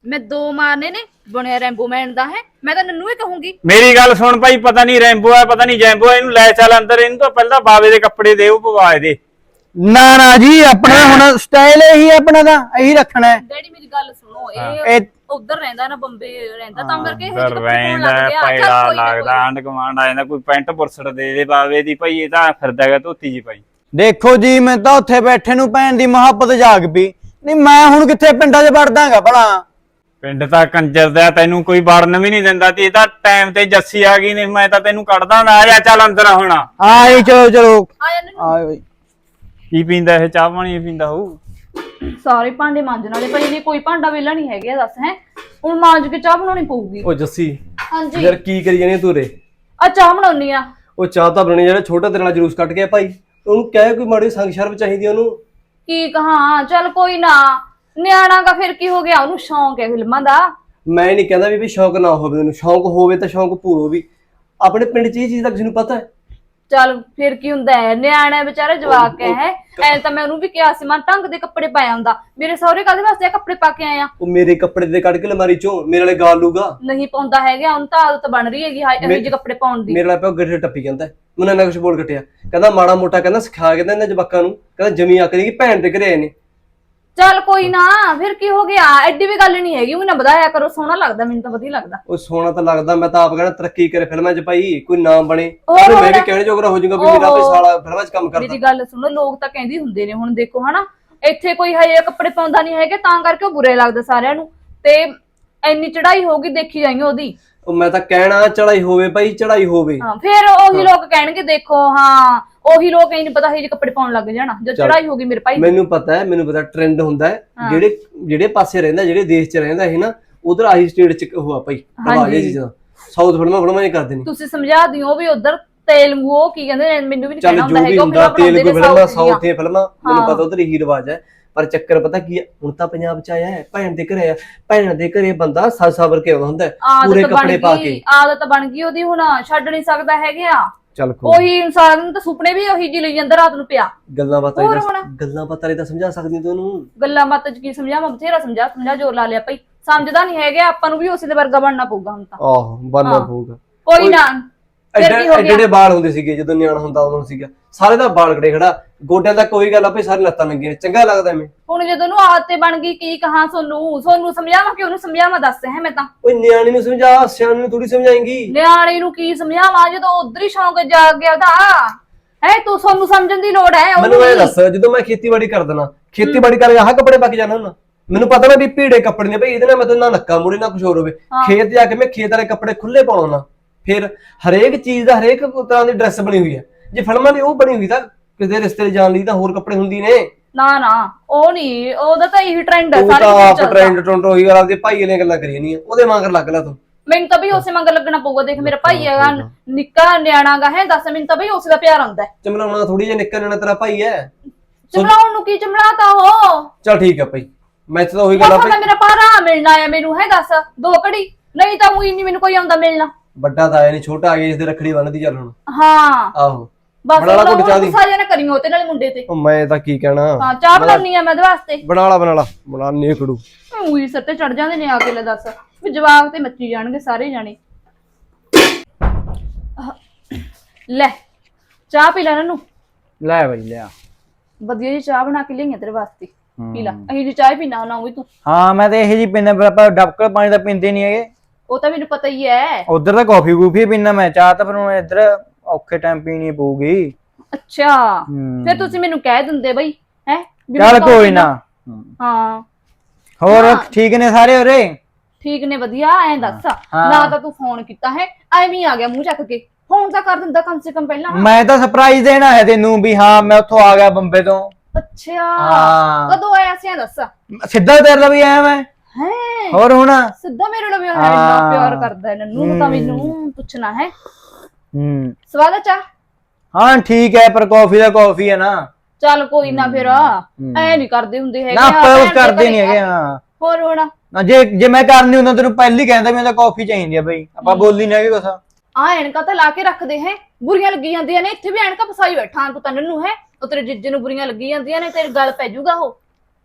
G: ਮੈਂ ਦੋ ਮਾਰਨੇ ਨੇ ਬਣਿਆ ਰੈਂਬੋ ਮੈਨ ਦਾ ਹੈ ਮੈਂ ਤਾਂ ਨੰਨੂ ਹੀ ਕਹੂੰਗੀ।
F: ਮੇਰੀ ਗੱਲ ਸੁਣ ਭਾਈ, ਪਤਾ ਨਹੀਂ ਰੈਂਬੋ ਆ ਪਤਾ ਨਹੀਂ ਜੈਂਬੋ ਆ, ਇਹਨੂੰ ਲੈ ਚੱਲ ਅੰਦਰ, ਇਹਨੂੰ ਤਾਂ ਪਹਿਲਾਂ ਬਾਵੇ ਦੇ ਕੱਪੜੇ ਦੇ ਉਹ ਪਵਾ ਇਹਦੇ।
B: ਨਾ ਨਾ ਜੀ, ਆਪਣਾ ਹੁਣ ਸਟਾਈਲ ਇਹੀ ਹੈ, ਆਪਣਾ ਤਾਂ ਇਹੀ ਰੱਖਣਾ ਹੈ।
G: ਡੈਡੀ ਮੇਰੀ ਗੱਲ ਸੁਣੋ,
B: ਇਹ-
G: ਇਹ ਉਧਰ ਰਹਿੰਦਾ ਨਾ ਬੰਬੇ ਰਹਿੰਦਾ ਤਾਂ ਕਰਕੇ ਇਹ ਜਿਹੇ
F: ਦਰ
G: ਕੱਪੜੇ ਪਾਉਣ
F: ਰਹਿੰਦਾ
G: ਲੱਗ ਗਿਆ। ਚੱਲ
F: ਪੈੜਾ
G: ਕੋਈ ਨਾ,
F: ਲੱਗਦਾ, ਆਂਡ ਕਮਾਂਡ ਆ ਜਾਂਦਾ, ਕੋਈ ਪੈਂਟ ਪੁਰਸੜ ਦੇ ਦੇ ਬਾਵੇ ਦੀ ਭਾਈ, ਇਹ ਤਾਂ ਫਿਰਦਾ ਹੈਗਾ ਧੋਤੀ ਜੀ ਭਾਈ।
B: ਦੇਖੋ ਜੀ, ਮੈਂ ਤਾਂ ਉੱਥੇ ਬੈਠੇ ਨੂੰ ਭੈਣ ਦੀ ਮੁਹੱਬਤ ਜਾਗ ਪਈ। ਨਹੀਂ ਮੈਂ ਹੁਣ ਕਿੱਥੇ ਪਿੰਡਾਂ 'ਚ ਵੜਦਾਗਾ ਭਲਾ।
F: ਪਿੰਡ ਤਾਂ ਕੰਜਰ ਦਾ, ਤੈਨੂੰ ਕੋਈ ਵੜਨ ਵੀ ਨਹੀਂ ਦਿੰਦਾ ਤੇ ਇਹ ਤਾਂ ਟਾਈਮ ਤੇ ਜੱਸੀ ਆ ਗਈ, ਨਹੀਂ ਮੈਂ ਤਾਂ ਤੈਨੂੰ ਕੱਢਦਾ ਨਾ। ਆ ਜਾ ਚੱਲ ਅੰਦਰ ਹੁਣ।
B: ਆਈ ਚਲੋ ਚਲੋ
G: ਆ ਜਾ ਨੰਨੂ।
B: ਆਏ ਬਈ।
F: ਕੀ ਪੀਂਦਾ ਇਹ, ਚਾਹ ਪਾਣੀ ਪੀਂਦਾ ਹੋਊ?
G: ਸਾਰੇ ਭਾਂਡੇ ਮਾਂਜਣ ਵਾਲੇ ਪਏ ਨੇ, ਕੋਈ ਭਾਂਡਾ ਵੇਲਾ ਨਹੀਂ ਹੈਗਾ ਦੱਸ ਹੈ। ਹੁਣ ਮਾਂਜ ਕੇ ਚਾਹ ਬਣਾਉਣੀ ਪਊਗੀ।
H: ਉਹ ਜੱਸੀ
G: ਹਾਂਜੀ
H: ਯਾਰ ਕੀ ਕਰੀ ਜਾਨੀ ਤੂੰ ਰੇ?
G: ਆ ਚਾਹ ਬਣਾਉਣੀ ਆ।
H: ਉਹ ਚਾਹ ਤਾਂ ਬਣਨੀ, ਜਿਹੜਾ ਛੋਟਾ ਤੇਰੇ ਨਾਲ ਜਲੂਸ ਕੱਟ ਗਿਆ ਭਾਈ, ਉਹਨੂੰ ਕਹਿ ਕੋਈ ਮਾੜੀ ਸੰਗ ਸ਼ਰਮ ਚਾਹੀਦੀ ਉਹਨੂੰ।
G: ਕੀ ਕਹਾਂ, ਚੱਲ ਕੋਈ ਨਾ, ਨਿਆਣਾ ਦਾ ਫਿਰ ਕੀ ਹੋ ਗਿਆ, ਉਹਨੂੰ ਸ਼ੌਂਕ ਹੈ ਫਿਲਮਾਂ ਦਾ।
H: ਮੈਂ ਨਹੀਂ ਕਹਿੰਦਾ ਵੀ ਵੀ ਸ਼ੌਂਕ ਨਾ ਹੋਵੇ, ਉਹਨੂੰ ਸ਼ੌਂਕ ਹੋਵੇ ਤਾਂ ਸ਼ੌਂਕ ਪੂਰੋ ਵੀ। ਆਪਣੇ ਪਿੰਡ 'ਚ ਇਹ ਚੀਜ਼ ਦਾ ਕਿਸੇ ਨੂੰ ਪਤਾ ਹੈ?
G: ਚੱਲ ਫਿਰ ਕੀ ਹੁੰਦਾ ਹੈ, ਨਿਆਣਾ ਵਿਚਾਰਾ ਜਵਾਕ ਹੈ। ਐ ਤਾਂ ਮੈਂ ਉਹਨੂੰ ਵੀ ਕਿਹਾ ਸੀ, ਮੈਂ ਢੰਗ ਦੇ ਕੱਪੜੇ ਪਾਇਆ ਹੁੰਦਾ। ਮੇਰੇ ਸਹੁਰੇ ਕਾਹਦੇ ਵਾਸਤੇ ਕੱਪੜੇ ਪਾ ਕੇ ਆਇਆ?
H: ਉਹ ਮੇਰੇ ਕੱਪੜੇ ਦੇ ਕੱਢ ਕੇ ਅਲਮਾਰੀ 'ਚੋਂ ਮੇਰੇ ਵਾਲੇ ਗਾਲ ਲੂਗਾ।
G: ਨਹੀਂ ਪਾਉਂਦਾ ਹੈਗਾ, ਉਹਨੂੰ ਤਾਂ ਆਦਤ ਬਣ ਰਹੀ ਹੈਗੀ ਹਾਏ ਇਹੋ ਜਿਹੇ ਕੱਪੜੇ ਪਾਉਣ ਦੀ।
H: ਮੇਰੇ ਨਾਲ ਪਿਓ ਗੱਡੇ ਟੱਪੀ ਜਾਂਦਾ, ਮੈਨੂੰ ਇੰਨਾ ਕੁਛ ਬੋਲ ਕੱਟਿਆ, ਕਹਿੰਦਾ ਮਾੜਾ ਮੋਟਾ ਕਹਿੰਦਾ ਸਿਖਾ ਕੇ ਇਹਨਾਂ ਜਵਾਕਾਂ ਨੂੰ, ਕਹਿੰਦਾ ਜਮੀ ਆਕਰੀ ਕਿ ਭੈਣ ਦੇ ਘਰੇ ਆਏ ਨੇ।
G: ਚੱਲ ਕੋਈ ਨਾ, ਫਿਰ ਕੀ ਹੋ ਗਿਆ, ਐਡੀ ਵੀ ਗੱਲ ਨਹੀਂ ਹੈਗੀ। ਉਹ ਨਾ ਵਧਾਇਆ ਕਰੋ, ਸੋਹਣਾ ਲੱਗਦਾ, ਮੈਨੂੰ ਤਾਂ ਵਧੀਆ ਲੱਗਦਾ।
H: ਉਹ ਸੋਹਣਾ ਤਾਂ ਲੱਗਦਾ, ਮੈਂ ਤਾਂ ਆਪ ਕਹਿੰਦਾ ਤਰੱਕੀ ਕਰੇ ਫਿਲਮਾਂ 'ਚ ਭਾਈ, ਕੋਈ ਨਾਮ ਬਣੇ,
G: ਹੋਰ
H: ਮੈਂ ਵੀ ਕਹਿਣੇ ਜੋਗਰਾ ਹੋ ਜਾਊਗਾ ਵੀ ਮੇਰਾ ਭਾਈ ਸਾਲਾ ਫਿਲਮਾਂ 'ਚ ਕੰਮ ਕਰਦਾ।
G: ਮੇਰੀ ਗੱਲ ਸੁਣੋ, ਲੋਕ ਤਾਂ ਕਹਿੰਦੇ ਹੁੰਦੇ ਨੇ, ਹੁਣ ਦੇਖੋ ਹਨਾ, ਇੱਥੇ ਕੋਈ ਹਜੇ ਕੱਪੜੇ ਪਾਉਂਦਾ ਨਹੀਂ ਹੈਗੇ ਤਾਂ ਕਰਕੇ ਉਹ ਬੁਰੇ ਲੱਗਦੇ ਸਾਰਿਆਂ ਨੂੰ, ਤੇ ਇੰਨੀ ਚੜਾਈ ਹੋਊਗੀ ਦੇਖੀ ਜਾਈਏ ਉਹਦੀ।
H: ਉਹ ਮੈਂ ਤਾਂ ਕਹਿਣਾ ਚੜਾਈ ਹੋਵੇ ਭਾਈ, ਚੜਾਈ ਹੋਵੇ।
G: ਹਾਂ ਫਿਰ ਉਹੀ ਲੋਕ ਕਹਿਣਗੇ ਦੇਖੋ, ਹਾਂ ਉਹੀ ਲੋਕ ਇਹ ਨਹੀਂ ਪਤਾ ਇਹ ਜਿਹੇ ਕੱਪੜੇ ਪਾਉਣ ਲੱਗ ਜਾਣਾ ਜਦ ਚੜਾਈ ਹੋ ਗਈ ਮੇਰੇ ਭਾਈ।
H: ਮੈਨੂੰ ਪਤਾ ਹੈ, ਮੈਨੂੰ ਪਤਾ ਟ੍ਰੈਂਡ ਹੁੰਦਾ ਹੈ, ਜਿਹੜੇ ਜਿਹੜੇ ਪਾਸੇ ਰਹਿੰਦਾ, ਜਿਹੜੇ ਦੇਸ਼ 'ਚ ਰਹਿੰਦਾ ਇਹ ਨਾ, ਉਧਰ ਆਹੀ ਸਟੇਟ 'ਚ ਹੋਆ ਭਾਈ ਰਵਾਜ ਇਹ ਚੀਜ਼ਾਂ। ਸਾਊਥ ਫਿਲਮਾਂ ਫਿਲਮਾਂ ਨਹੀਂ ਕਰਦੇ ਨੇ।
G: ਤੁਸੀਂ ਸਮਝਾ ਦਿਓ ਵੀ ਉਧਰ ਤੇਲਗੂ ਉਹ ਕੀ ਕਹਿੰਦੇ ਨੇ, ਮੈਨੂੰ ਵੀ ਨਹੀਂ
H: ਚੱਲ
G: ਕਹਿਣਾ
H: ਜੋ
G: ਹੁੰਦਾ
H: ਵੀ
G: ਹੈਗਾ,
H: ਹੁੰਦਾ, ਤੇਲਗੂ ਫਿਲਮਾਂ, ਸਾਊਥ ਦੀਆਂ ਫਿਲਮਾਂ, ਮੈਨੂੰ
G: ਹਾਂ।
H: ਪਤਾ ਉਧਰ ਇਹੀ ਰਿਵਾਜ ਹੈ। ਪਰ ਚੱਕਰ ਪਤਾ ਕੀ ਹੈ, ਹੁਣ ਤਾਂ ਪੰਜਾਬ 'ਚ ਆਇਆ ਹੈ, ਭੈਣ ਦੇ ਘਰੇ ਆ, ਭੈਣ ਦੇ ਘਰੇ ਬੰਦਾ ਸੱਜ ਸਬਰ ਕੇ ਆਉਂਦਾ ਹੁੰਦਾ ਹੈ, ਪੂਰੇ
G: ਆਦਤ
H: ਕੱਪੜੇ
G: ਬਣ
H: ਪਾ
G: ਗਈ,
H: ਕੇ।
G: ਆਦਤ ਬਣ ਗਈ ਉਹਦੀ, ਹੁਣ ਛੱਡ ਨਹੀਂ ਸਕਦਾ ਹੈਗਾ।
H: ਚੱਲ ਕੋਈ
G: ਉਹੀ ਇਨਸਾਨ ਨੂੰ ਤਾਂ ਸੁਪਨੇ ਵੀ ਉਹੀ ਜਿਹੀ ਲਈ ਜਾਂਦਾ ਰਾਤ ਨੂੰ ਪਿਆ।
H: ਗੱਲਾਂ ਬਾਤਾਂ
G: ਹੋਰ
H: ਹੀ
G: ਹੁਣ?
H: ਦੱਸ, ਗੱਲਾਂ ਬਾਤਾਂ ਹੀ ਤਾਂ ਸਮਝਾ ਸਕਦੀ ਤੂੰ ਉਹਨੂੰ।
G: ਗੱਲਾਂ ਬਾਤਾਂ ਚ ਕੀ ਸਮਝਾਵਾਂ, ਬਥੇਰਾ ਸਮਝਾ ਸਮਝਾ ਜੋਰ ਲਾ ਲਿਆ ਭਾਈ, ਸਮਝਦਾ ਨਹੀਂ ਹੈਗਾ। ਆਪਾਂ ਨੂੰ ਵੀ ਉਸੇ ਦੇ ਵਰਗਾ ਬਣਨਾ ਪਊਗਾ ਹੁਣ ਤਾਂ।
H: ਆਹੋ ਬਣਨਾ
G: ਹਾਂ।
H: ਪਊਗਾ।
G: ਕੋਈ ਨਾ, ਫਿਰ
H: ਐਡੇ
G: ਕੀ ਹੋ
H: ਐਡੇ
G: ਗਿਆ?
H: ਐਡੇ ਵਾਲ ਹੁੰਦੇ ਸੀਗੇ ਜਦੋਂ ਨਿਆਣਾ ਹੁੰਦਾ ਉਦੋਂ ਸੀਗਾ, ਸਾਰੇ ਦਾ ਵਾਲ ਖੜੇ ਖੜਾ, ਗੋਡਿਆਂ ਦਾ ਕੋਈ ਗੱਲ ਆਪੇ ਸਾਰੇ ਲੱਤਾਂ ਲੱਗੀਆਂ, ਚੰਗਾ ਲੱਗਦਾ ਐਵੇਂ।
G: ਹੁਣ ਜਦੋਂ ਨੂੰ ਆਦਤ ਤੇ ਬਣ ਗਈ, ਕੀ ਕਹਾਂ ਸੋਨੂੰ, ਸੋਨੂੰ ਸਮਝਾਵਾਂ ਕਿ ਉਹਨੂੰ ਸਮਝਾਵਾਂ, ਦੱਸ ਹੈ ਮੈਂ ਤਾਂ।
H: ਓਏ ਨਿਆਣੇ ਨੂੰ ਸਮਝਾ, ਸਿਆਣੇ ਨੂੰ ਥੋੜੀ ਸਮਝਾਏਂਗੀ।
G: ਨਿਆਣੇ ਨੂੰ ਕੀ ਸਮਝਾਵਾਂ ਜਦੋਂ ਉਧਰ ਹੀ ਸ਼ੌਂਕ ਜਾਗ ਗਿਆ ਉਹਦਾ ਹੈ। ਤੂੰ ਸੋਨੂੰ ਸਮਝਣ ਦੀ ਲੋੜ ਹੈ
H: ਮੈਨੂੰ ਇਹ
G: ਉਹਨੂੰ।
H: ਦੱਸ, ਜਦੋਂ ਮੈਂ ਖੇਤੀਬਾੜੀ ਕਰਦਾ ਨਾ, ਖੇਤੀਬਾੜੀ ਕਰਕੇ ਆਹ ਕੱਪੜੇ ਪਾ ਕੇ ਜਾਣਾ ਹੁੰਦਾ, ਮੈਨੂੰ ਪਤਾ ਨਾ ਵੀ ਭੀੜੇ ਕੱਪੜੇ ਨੇ ਭਾਈ, ਇਹਦੇ ਨਾਲ ਮੈਂ ਨਾ ਨੱਕਾ ਮੂਰੇ ਨਾ ਕੁਝ ਹੋਰ ਹੋਵੇ। ਖੇਤ ਜਾ ਕੇ ਮੈਂ ਖੇਤ ਵਾਲੇ ਕੱਪੜੇ ਖੁੱਲੇ ਪਾਉਣਾ ਨਾ, ਫਿਰ ਹਰੇਕ ਚੀਜ਼ ਦਾ ਹਰੇਕ ਤਰ੍ਹਾਂ ਦੀ ਡਰੈਸ ਬਣੀ ਹੋਈ ਹੈ। ਜੇ ਫਿਲਮਾਂ ਦੀ ਉਹ ਬਣੀ ਹੋਈ ਤਾਂ ਕਿਸੇ ਰਿਸ਼ਤੇ ਜਾਣ ਲਈ ਤਾਂ ਹੋਰ ਕੱਪੜੇ ਹੁੰਦੀ ਨੇ।
G: ਨਾ ਨਾ ਉਹ ਨਹੀਂ, ਉਹਦਾ ਤਾਂ ਇਹੀ ਟ੍ਰੈਂਡ ਹੈ
H: ਤੂੰ ਤਾਂ
G: ਸਾਰੇ
H: ਆਪ
G: ਚੱਲਦਾ।
H: ਟ੍ਰੈਂਡ ਟ੍ਰੈਂਡ ਉਹੀ ਗੱਲ ਆਪਦੇ ਭਾਈ ਵਾਲੀਆਂ ਗੱਲਾਂ ਕਰੀ ਨਹੀਂ, ਉਹਦੇ ਮਗਰ ਲੱਗ ਲੈ ਤੂੰ।
G: ਮੈਨੂੰ ਤਾਂ ਵੀ ਉਸੇ ਮੰਗ ਲੱਗਣਾ ਪਊਗਾ। ਦੇਖ ਮੇਰਾ ਭਾਈ ਹੈਗਾ, ਨਿੱਕਾ ਨਿਆਣਾ ਗਾ ਹੈ, ਦੱਸ ਮੈਨੂੰ ਤਾਂ ਬਈ ਉਸੇ ਦਾ ਪਿਆਰ ਆਉਂਦਾ ਹੈ।
H: ਚਮਲਾਉਣਾ ਥੋੜੀ ਜਿਹਾ ਨਿੱਕਾ ਨਿਆਣਾ ਤੇਰਾ ਭਾਈ ਹੈ।
G: ਚਮਲਾਉਣ ਨੂੰ ਕੀ ਚਮਲਾਤਾ ਉਹ?
H: ਚਲ ਠੀਕ ਹੈ ਭਾਈ, ਮੈਂ ਤਾਂ ਉਹੀ ਗੱਲ ਆ
G: ਤਾਂ ਮੇਰਾ ਭਾਰਾ ਮਿਲਣਾ ਆ ਮੈਨੂੰ, ਹੈ ਦੱਸ ਦੋ ਘੜੀ, ਨਹੀਂ ਤਾਂ ਉਹੀ ਨਹੀਂ ਮੈਨੂੰ ਕੋਈ ਆਉਂਦਾ ਮਿਲਣਾ।
H: ਵੱਡਾ ਤਾਂ ਆਇਆ ਨਹੀਂ, ਛੋਟਾ ਆ ਗਿਆ ਜਿਸ ਦੇ ਰੱਖੜੀ ਬੰਨਦੀ ਚੱਲ ਹੁਣ।
G: ਹਾਂ
H: ਆਹੋ
G: ਬਸ
H: ਬਣਾ ਲਾ ਘੁੱਟ ਚਾਹ ਦੀ।
G: ਗੁੱਸਾ ਜਿਹਾ ਨਾ ਕਰੀ ਉਹਤੇ ਨਾਲੇ ਮੁੰਡੇ ਤੇ।
H: ਉਹ ਮੈਂ ਤਾਂ ਕੀ ਕਹਿਣਾ।
G: ਹਾਂ ਚਾਹ ਬਣਾਉਣੀ ਆ ਮੈਂ ਉਹਦੇ ਵਾਸਤੇ।
H: ਬਣਾ ਲਾ ਬਣਾ ਲਾ ਬਣਾ ਨੇਕੜੂ।
G: ਉਹੀ ਸਿਰ ਤੇ ਚੜ ਜਾਂਦੇ ਨੇ ਆ ਕੇ, ਲੈ ਦੱਸ ਵੀ ਜਵਾਬ ਤੇ ਮੱਚੀ ਜਾਣਗੇ ਸਾਰੇ ਜਾਣੇ। ਲੈ ਚਾਹ ਪੀ ਲੈ ਨਨੂੰ।
B: ਲੈ ਬਈ ਲਿਆ।
G: ਵਧੀਆ ਜੀ ਚਾਹ ਬਣਾ ਕੇ ਲਿਆਈਆਂ ਤੇਰੇ ਵਾਸਤੇ, ਪੀ ਲੈ। ਅਹੀਂ ਜੀ ਚਾਹ ਪੀਣਾ ਨਾ ਹੋਈ ਤੂੰ।
B: ਹਾਂ ਮੈਂ ਤਾਂ ਇਹੋ ਜੀ ਪੀਣਾ, ਪਰ ਆਪਾਂ ਡਬਕਲ ਪਾਣੀ ਤਾਂ ਪੀਂਦੇ ਨਹੀਂ ਹੈਗੇ।
G: ਉਹ ਤਾਂ ਮੈਨੂੰ ਪਤਾ ਹੀ ਹੈ।
B: ਉਧਰ ਤਾਂ ਕਾਫੀ ਕੂਫੀ ਪੀਣਾ, ਮੈਂ ਚਾਹ ਤਾਂ ਫਿਰ ਹੁਣ ਇੱਧਰ ਔਖੇ ਟਾਈਮ ਪੀਣੀ ਪਊਗੀ।
G: ਅੱਛਾ
B: ਹੂੰ।
G: ਫਿਰ ਤੁਸੀਂ ਮੈਨੂੰ ਕਹਿ ਦਿੰਦੇ ਬਈ, ਹੈ
B: ਚੱਲ ਕੋਈ ਨਾ।
G: ਹਾਂ
B: ਹੋਰ
G: ਹਾਂ।
B: ਠੀਕ ਨੇ ਸਾਰੇ ਉਰੇ?
G: ਠੀਕ ਨੇ ਵਧੀਆ। ਐਂ ਦੱਸ ਨਾ ਤਾਂ ਤੂੰ ਫੋਨ ਕੀਤਾ ਹੈ, ਐਵੇਂ ਹੀ ਆ ਗਿਆ ਮੂੰਹ ਚੱਕ ਕੇ। ਫੋਨ ਤਾਂ ਕਰ ਦਿੰਦਾ ਕਮ ਸੇ ਕਮ ਪਹਿਲਾਂ।
B: ਮੈਂ ਤਾਂ ਸਰਪ੍ਰਾਈਜ਼ ਦੇਣਾ ਹੈ ਤੈਨੂੰ ਵੀ ਹਾਂ ਮੈਂ ਉੱਥੋਂ ਆ ਗਿਆ ਬੰਬੇ ਤੋਂ।
G: ਅੱਛਾ
B: ਹਾਂ।
G: ਕਦੋਂ ਆਇਆ ਸੀ ਐਂ ਦੱਸ।
B: ਸਿੱਧਾ ਤੇਰੇ ਲਈ ਆਇਆ ਮੈਂ।
G: ਹੈ
B: ਹੋਰ ਹੁਣ
G: ਸਿੱਧਾ ਮੇਰੇ ਨਾਲ ਵਿਆਹ ਹੈ, ਇੰਨਾ ਪਿਆਰ ਕਰਦਾ ਹੈ ਨੰਨੂ ਨੂੰ ਤਾਂ ਮੈਨੂੰ ਪੁੱਛਣਾ ਹੈ।
B: ਹੂੰ
G: ਸਵਾਦ ਆ ਚਾਹ?
B: ਹਾਂ ਠੀਕ ਹੈ, ਪਰ ਕਾਫੀ ਦਾ ਕਾਫੀ ਹੈ ਨਾ।
G: ਚੱਲ ਕੋਈ ਨਾ, ਫਿਰ ਐ ਨਹੀਂ ਕਰਦੇ ਹੁੰਦੇ ਹੈਗੇ।
B: ਨਾ ਆਪਾਂ ਉਸ ਕਰਦੇ ਨਹੀਂ ਹੈਗੇ। ਹਾਂ
G: ਹੋਰ ਹੁਣ
B: ਨਾ, ਜੇ ਜੇ ਮੈਂ ਕਰਨੀ ਹੁੰਦਾ ਤੈਨੂੰ ਪਹਿਲੀ ਕਹਿੰਦਾ ਮੈਨੂੰ ਤਾਂ ਕਾਫੀ ਚਾਹੀਦੀ ਆ ਬਈ, ਆਪਾਂ ਬੋਲੀ ਨਹੀਂ ਹੈਗੇ ਕੁਛ।
G: ਆ ਐਨਕਾਂ ਤਾਂ ਲਾ ਕੇ ਰੱਖਦੇ ਹੈ, ਬੁਰੀਆਂ ਲੱਗੀ ਜਾਂਦੀਆਂ ਨੇ। ਇੱਥੇ ਵੀ ਐਨਕਾਂ ਫਸਾਈ ਬੈਠਾ ਤੂੰ ਤਾਂ ਨੰਨੂ ਹੈ। ਉਹ ਤੇਰੇ ਜੀਜੇ ਨੂੰ ਬੁਰੀਆਂ ਲੱਗੀ ਜਾਂਦੀਆਂ ਨੇ, ਤੇਰੇ ਗਲ ਪੈ ਜਾਊਗਾ ਉਹ।